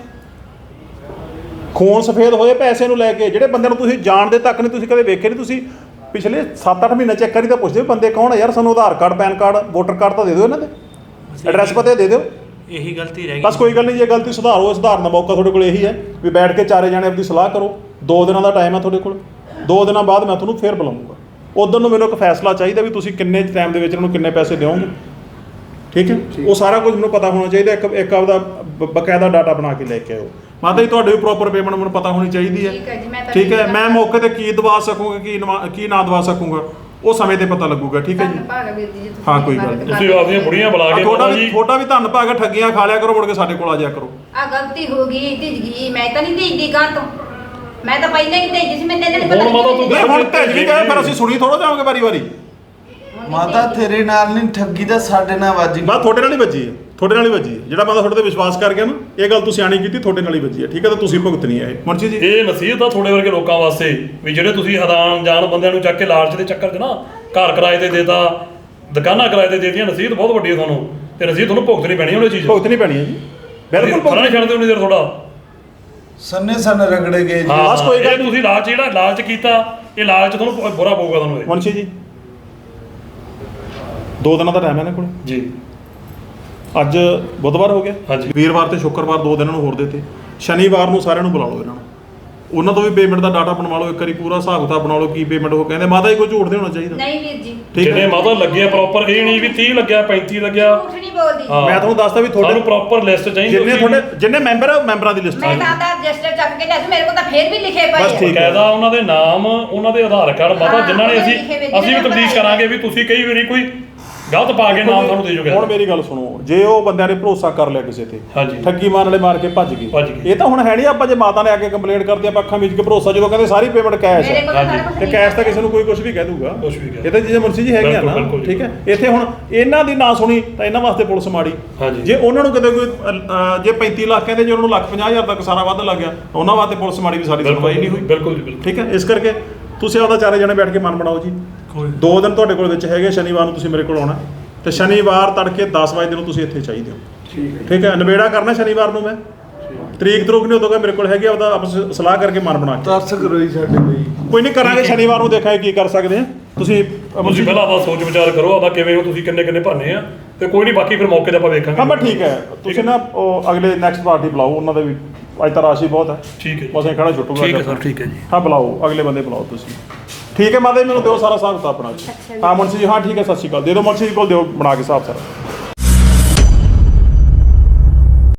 S1: ਖੂਨ ਸਫੇਦ ਹੋਏ ਪੈਸੇ ਨੂੰ ਲੈ ਕੇ, ਜਿਹੜੇ ਬੰਦੇ ਨੂੰ ਤੁਸੀਂ ਜਾਣਦੇ ਤੱਕ ਨਹੀਂ, ਤੁਸੀਂ ਕਦੇ ਵੇਖੇ ਨਹੀਂ। ਤੁਸੀਂ ਪਿਛਲੇ 7-8 ਮਹੀਨੇ ਚੈੱਕ ਕਰੀ ਤਾਂ ਪੁੱਛਦੇ ਬੰਦੇ ਕੌਣ ਆ ਯਾਰ, ਸਾਨੂੰ Aadhaar card, PAN card, voter card ਤਾਂ ਦੇ ਦਿਓ, ਇਹਨਾਂ ਦੇ ਐਡਰੈਸ ਪਤੇ ਦੇ ਦਿਓ।
S7: ਇਹੀ ਗਲਤੀ ਰਹਿ ਗਈ।
S1: ਬਸ ਕੋਈ ਗੱਲ ਨਹੀਂ, ਜੇ ਗਲਤੀ ਸੁਧਾਰੋ, ਸੁਧਾਰਨ ਦਾ ਮੌਕਾ ਤੁਹਾਡੇ ਕੋਲ ਇਹੀ ਹੈ ਵੀ ਬੈਠ ਕੇ ਚਾਰੇ ਜਾਣੇ ਆਪਣੀ ਸਲਾਹ ਕਰੋ। 2 ਦਿਨਾਂ ਦਾ ਟਾਈਮ ਹੈ ਤੁਹਾਡੇ ਕੋਲ, 2 ਦਿਨਾਂ ਬਾਅਦ ਮੈਂ ਤੁਹਾਨੂੰ ਫੇਰ ਬੁਲਾਉਂਗਾ। ਉਦੋਂ ਨੂੰ ਮੈਨੂੰ ਇੱਕ ਫੈਸਲਾ ਚਾਹੀਦਾ ਵੀ ਤੁਸੀਂ ਕਿੰਨੇ ਟਾਈਮ ਦੇ ਵਿੱਚ ਇਹਨੂੰ ਕਿੰਨੇ ਪੈਸੇ ਦਿਓਗੇ, ਠੀਕ ਹੈ? ਉਹ ਸਾਰਾ ਕੁਝ ਮੈਨੂੰ ਪਤਾ ਹੋਣਾ ਚਾਹੀਦਾ। ਇੱਕ ਆਪਦਾ ਬਕਾਇਦਾ ਡਾਟਾ ਬਣਾ ਕੇ ਲੈ ਕੇ ਆਓ। ਮਾਤਾ ਜੀ ਤੁਹਾਡੇ ਵੀ ਪ੍ਰੋਪਰ ਪੇਮੈਂਟ ਮੈਨੂੰ ਪਤਾ ਹੋਣੀ ਚਾਹੀਦੀ ਹੈ, ਠੀਕ ਹੈ? ਮੈਂ ਮੌਕੇ ਤੇ ਕੀ ਦਵਾ ਸਕੂੰਗਾ, ਕੀ ਨਾ ਦਵਾ ਸਕੂੰਗਾ, ਉਹ ਸਮੇਂ ਤੇ ਪਤਾ ਲੱਗੂਗਾ, ਠੀਕ ਹੈ ਜੀ? ਹਾਂ, ਕੋਈ ਗੱਲ ਨਹੀਂ।
S2: ਤੁਸੀਂ ਆਪਦੀਆਂ ਬੁੜੀਆਂ ਬੁਲਾ ਕੇ
S1: ਤੁਹਾਡਾ ਵੀ ਧੰਨ ਭਾਗ, ਠੱਗੀਆਂ ਖਾ ਲਿਆ ਕਰੋ, ਮੁੜ ਕੇ ਸਾਡੇ ਕੋਲ ਆ ਜਾਇਆ ਕਰੋ।
S3: ਆ ਗਲਤੀ ਹੋ ਗਈ, ਭਿੱਜ ਗਈ। ਮੈਂ ਤਾਂ ਨਹੀਂ ਭੇਜਦੀ ਗਾਂ ਤੋਂ, ਮੈਂ ਤਾਂ ਪਹਿਲਾਂ ਹੀ ਭੇਜੀ ਸੀ। ਮੈਂ ਤੈਨੂੰ
S2: ਹੁਣ ਮਾਤਾ ਤੂੰ
S1: ਨਹੀਂ, ਹੁਣ ਭੇਜ ਵੀ ਗਏ, ਫਿਰ ਅਸੀਂ ਸੁਣੀ ਥੋੜਾ ਜਾਵਾਂਗੇ ਵਾਰੀ-ਵਾਰੀ।
S4: ਮਾਤਾ ਤੇਰੇ ਨਾਲ ਨਹੀਂ, ਠੱਗੀ ਤਾਂ ਸਾਡੇ ਨਾਲ ਵੱਜ ਗਈ।
S1: ਬਸ ਤੁਹਾਡੇ ਨਾਲ ਹੀ ਵੱਜੀ ਹੈ, ਤੁਹਾਡੇ ਨਾਲ ਹੀ ਵੱਜੀ ਹੈ। ਜਿਹੜਾ ਬੰਦਾ ਤੁਹਾਡੇ ਤੇ ਵਿਸ਼ਵਾਸ ਕਰ ਗਿਆ ਨਾ, ਇਹ ਗੱਲ ਤੁਸੀਂ ਆਣੀ ਕੀਤੀ, ਤੁਹਾਡੇ ਨਾਲ ਹੀ ਵੱਜੀ ਹੈ, ਠੀਕ ਹੈ? ਤਾਂ ਤੁਸੀਂ ਭੁਗਤਣੀ ਹੈ ਇਹ। ਮੁਰਸ਼ੀ ਜੀ,
S2: ਇਹ ਨਸੀਹਤ ਆ ਤੁਹਾਡੇ ਵਰਗੇ ਲੋਕਾਂ ਵਾਸਤੇ ਵੀ ਜਿਹੜੇ ਤੁਸੀਂ ਅਣਜਾਣ ਬੰਦਿਆਂ ਨੂੰ ਚੱਕ ਕੇ ਲਾਲਚ ਦੇ ਚੱਕਰ 'ਚ ਨਾ ਘਰ ਕਿਰਾਏ ਤੇ ਦੇਤਾ, ਦੁਕਾਨਾਂ ਕਿਰਾਏ ਤੇ ਦੇਤੀਆਂ। ਨਸੀਹਤ ਬਹੁਤ ਵੱਡੀ ਹੈ ਤੁਹਾਨੂੰ, ਤੇ ਨਸੀਹਤ ਤੁਹਾਨੂੰ ਭੁਗਤਣੀ ਪੈਣੀ ਉਹਨੇ ਚੀਜ਼।
S1: ਭੁਗਤਣੀ ਪੈਣੀ ਹੈ ਜੀ, ਬਿਲਕੁਲ
S2: ਫਰਾਂ ਨਹੀਂ ਛੱਡਦੇ ਉਨੀ ਦੇਰ ਤੁਹਾਡਾ
S4: ਸੰਨੇ ਰਗੜੇ ਗਏ ਜੀ।
S2: ਬਸ ਕੋਈ ਗੱਲ। ਤੁਸੀਂ ਜਿਹੜਾ ਲਾਲਚ ਕੀਤਾ, ਇਹ ਲਾਲਚ ਤੁਹਾਨੂੰ ਬੁਰਾ ਪਊਗਾ ਤੁਹਾਨੂੰ।
S1: ਮੁਰਸ਼ੀ ਜੀ, 2 ਦਿਨਾਂ ਦਾ ਟਾਈਮ ਹੈ ਨਾ ਕੋਲ
S2: ਜੀ।
S1: ਅੱਜ ਬੁੱਧਵਾਰ ਹੋ ਗਿਆ,
S2: ਹਾਂਜੀ।
S1: ਵੀਰਵਾਰ ਤੇ ਸ਼ੁੱਕਰਵਾਰ 2 ਦਿਨਾਂ ਨੂੰ ਹੋਰ ਦਿੱਤੇ। ਸ਼ਨੀਵਾਰ ਨੂੰ ਸਾਰਿਆਂ ਨੂੰ ਬੁਲਾ ਲਓ, ਇਹਨਾਂ ਨੂੰ, ਉਹਨਾਂ ਤੋਂ ਵੀ ਪੇਮੈਂਟ ਦਾ ਡਾਟਾ ਬਣਵਾ ਲਓ, ਇੱਕ ਵਾਰੀ ਪੂਰਾ ਹਿਸਾਬ ਕਿਤਾਬ ਬਣਾ ਲਓ ਕੀ ਪੇਮੈਂਟ ਹੋ। ਕਹਿੰਦੇ ਮਾਤਾ ਜੀ ਕੋਈ ਝੂਠ ਨਹੀਂ ਹੋਣਾ ਚਾਹੀਦਾ।
S3: ਨਹੀਂ ਵੀਰ ਜੀ,
S2: ਜਿਹਨੇ ਮਾਤਾ ਲੱਗਿਆ ਪ੍ਰੋਪਰ, ਇਹ ਨਹੀਂ ਵੀ 30 ਲੱਗਿਆ 35 ਲੱਗਿਆ।
S3: ਝੂਠ ਨਹੀਂ ਬੋਲਦੀ।
S1: ਮੈਂ ਤੁਹਾਨੂੰ ਦੱਸਦਾ ਵੀ
S2: ਤੁਹਾਨੂੰ ਪ੍ਰੋਪਰ ਲਿਸਟ ਚਾਹੀਦੀ।
S1: ਜਿੰਨੇ ਮੈਂਬਰ ਆ, ਮੈਂਬਰਾਂ ਦੀ ਲਿਸਟ
S3: ਮੈਂ ਤਾਂ ਆਧਾਰ ਰਜਿਸਟਰ ਚੱਕ ਕੇ ਲਿਆ ਸੀ, ਮੇਰੇ ਕੋਲ ਤਾਂ ਫੇਰ ਵੀ ਲਿਖੇ ਪਏ
S1: ਬਸ
S3: ਆ।
S1: ਠੀਕ।
S2: ਕਾਇਦਾ ਉਹਨਾਂ ਦੇ ਨਾਮ, ਉਹਨਾਂ ਦੇ ਆਧਾਰ ਕਾਰਡ, ਮਾਤਾ ਜਿਨ੍ਹਾਂ ਨੇ ਅਸੀਂ ਵੀ ਤਬਦੀਲ ਕਰਾਂਗੇ ਵੀ ਤੁਸੀਂ ਕਈ ਵਾਰੀ ਕੋਈ ਗਲਤ ਪਾ ਕੇ ਨਾਮ ਤੁਹਾਨੂੰ ਦੇ ਜੋਗੇ।
S1: ਹੁਣ ਮੇਰੀ ਗੱਲ ਸੁਣੋ, ਜੇ ਉਹ ਬੰਦਿਆਂ ਨੇ ਭਰੋਸਾ ਕਰ ਲਿਆ ਕਿਸੇ ਤੇ,
S2: ਹਾਂਜੀ।
S1: ਠੱਗੀ ਮਾਰਨ ਵਾਲੇ ਮਾਰ ਕੇ ਭੱਜ ਗਏ, ਇਹ ਤਾਂ ਹੁਣ ਹੈ ਨਹੀਂ। ਆਪਾਂ ਜੇ ਮਾਤਾ ਨੇ ਆ ਕੇ ਕੰਪਲੇਂਟ ਕਰਦੀ, ਆਪਾਂ ਅੱਖਾਂ ਮੀਚ ਕੇ ਭਰੋਸਾ, ਜਦੋਂ ਕਹਿੰਦੇ ਸਾਰੀ ਪੇਮੈਂਟ ਕੈਸ਼
S3: ਮੇਰੇ
S1: ਹੈ,
S3: ਕੋਲ ਤਾਂ ਸਾਰਾ ਕੁਛ
S1: ਤੇ ਕੈਸ਼ ਤਾਂ ਕਿਸੇ ਨੂੰ ਕੋਈ ਕੁਝ ਵੀ ਕਹਿ ਦੂਗਾ,
S2: ਕੁਛ ਵੀ ਕਹਿ।
S1: ਇਹ ਤਾਂ ਚੀਜ਼ਾਂ ਮੁਨਸੀ ਜੀ ਹੈਗੀਆਂ ਨਾ,
S2: ਬਿਲਕੁਲ,
S1: ਠੀਕ ਹੈ? ਇੱਥੇ ਹੁਣ ਇਹਨਾਂ ਦੀ ਨਾ ਸੁਣੀ ਤਾਂ ਇਹਨਾਂ ਵਾਸਤੇ ਪੁਲਿਸ ਮਾੜੀ।
S2: ਹਾਂਜੀ।
S1: ਜੇ ਉਹਨਾਂ ਨੂੰ ਕਿਤੇ ਕੋਈ ਜੇ 35 ਲੱਖ ਕਹਿੰਦੇ, ਜੇ ਉਹਨਾਂ ਨੂੰ 1,50,000 ਤੱਕ ਸਾਰਾ ਵੱਧ ਲੱਗ ਗਿਆ, ਉਹਨਾਂ ਵਾਸਤੇ ਪੁਲਿਸ ਮਾੜੀ ਵੀ ਸਾਡੀ ਸੁਣਵਾਈ ਨਹੀਂ ਹੋਈ।
S2: ਬਿਲਕੁਲ ਜੀ, ਬਿਲਕੁਲ।
S1: ਠੀਕ ਹੈ? ਇਸ ਕਰਕੇ ਤੁਸੀਂ ਆਪਦਾ ਚਾਰੇ ਜਣੇ ਬੈਠ ਕੇ ਮਨ ਬਣਾਓ ਜੀ। 2 ਦਿਨ ਤੁਹਾਡੇ ਕੋਲ ਵਿੱਚ ਹੈਗੇ, ਸ਼ਨੀਵਾਰ ਨੂੰ ਤੁਸੀਂ ਮੇਰੇ ਕੋਲ ਆਉਣਾ, ਤੇ ਸ਼ਨੀਵਾਰ ਤੜਕੇ 10 ਵਜੇ ਨੂੰ ਤੁਸੀਂ ਇੱਥੇ ਚਾਹੀਦੇ ਹੋ, ਠੀਕ ਹੈ? ਨਵੇੜਾ ਕਰਨਾ ਸ਼ਨੀਵਾਰ ਨੂੰ। ਮੈਂ ਤਰੀਕ ਨਹੀਂ ਉਦੋਂ ਮੇਰੇ ਕੋਲ ਹੈਗੀ, ਆਪਦਾ ਆਪਸ ਸਲਾਹ ਕਰਕੇ ਮਨ ਬਣਾ ਕੇ
S4: ਤਰਸ ਕਰੋ ਜੀ ਸਾਡੇ ਲਈ।
S1: ਕੋਈ ਨਹੀਂ ਕਰਾਂਗੇ, ਸ਼ਨੀਵਾਰ ਨੂੰ ਦੇਖਾਂਗੇ ਕੀ ਕਰ ਸਕਦੇ ਆ। ਤੁਸੀਂ
S2: ਪਹਿਲਾਂ ਆਪਦਾ ਸੋਚ ਵਿਚਾਰ ਕਰੋ, ਆਪਦਾ ਕਿਵੇਂ ਹੋ ਤੁਸੀਂ, ਕਿੰਨੇ ਭਰਨੇ ਆ, ਤੇ ਕੋਈ ਨਹੀਂ ਬਾਕੀ ਫਿਰ ਮੌਕੇ ਤੇ ਆਪਾਂ ਵੇਖਾਂਗੇ।
S1: ਹਾਂ ਬਸ ਠੀਕ ਹੈ। ਤੁਸੀਂ ਨਾ ਉਹ ਅਗਲੇ ਨੈਕਸਟ ਪਾਰਟੀ ਬੁਲਾਓ, ਉਹਨਾਂ ਦੇ ਵੀ ਅੱਜ ਤਾਂ ਰਾਸ਼ੀ ਬਹੁਤ ਹੈ।
S2: ਠੀਕ ਹੈ,
S1: ਬਸ ਇਹ ਖੜਾ ਛੁੱਟੂਗਾ।
S2: ਠੀਕ ਹੈ ਸਰ, ਠੀਕ ਹੈ ਜੀ।
S1: ਹਾਂ ਬੁਲਾਓ, ਅਗਲੇ ਬੰਦੇ ਬੁਲਾਓ ਤੁਸੀਂ, ਠੀਕ ਹੈ? ਮਾਤਾ ਜੀ ਮੈਨੂੰ ਦਿਓ ਸਾਰਾ ਹਿਸਾਬ ਕਿਤਾਬ ਬਣਾ ਕੇ। ਹਾਂ ਮੁਨਸੀ ਜੀ, ਹਾਂ ਠੀਕ ਹੈ, ਸਤਿ ਸ਼੍ਰੀ ਅਕਾਲ। ਦੇ ਦਿਓ ਮੁਨਸੀ ਜੀ ਕੋਲ, ਦਿਓ ਬਣਾ ਕੇ ਹਿਸਾਬ ਸਾਰਾ।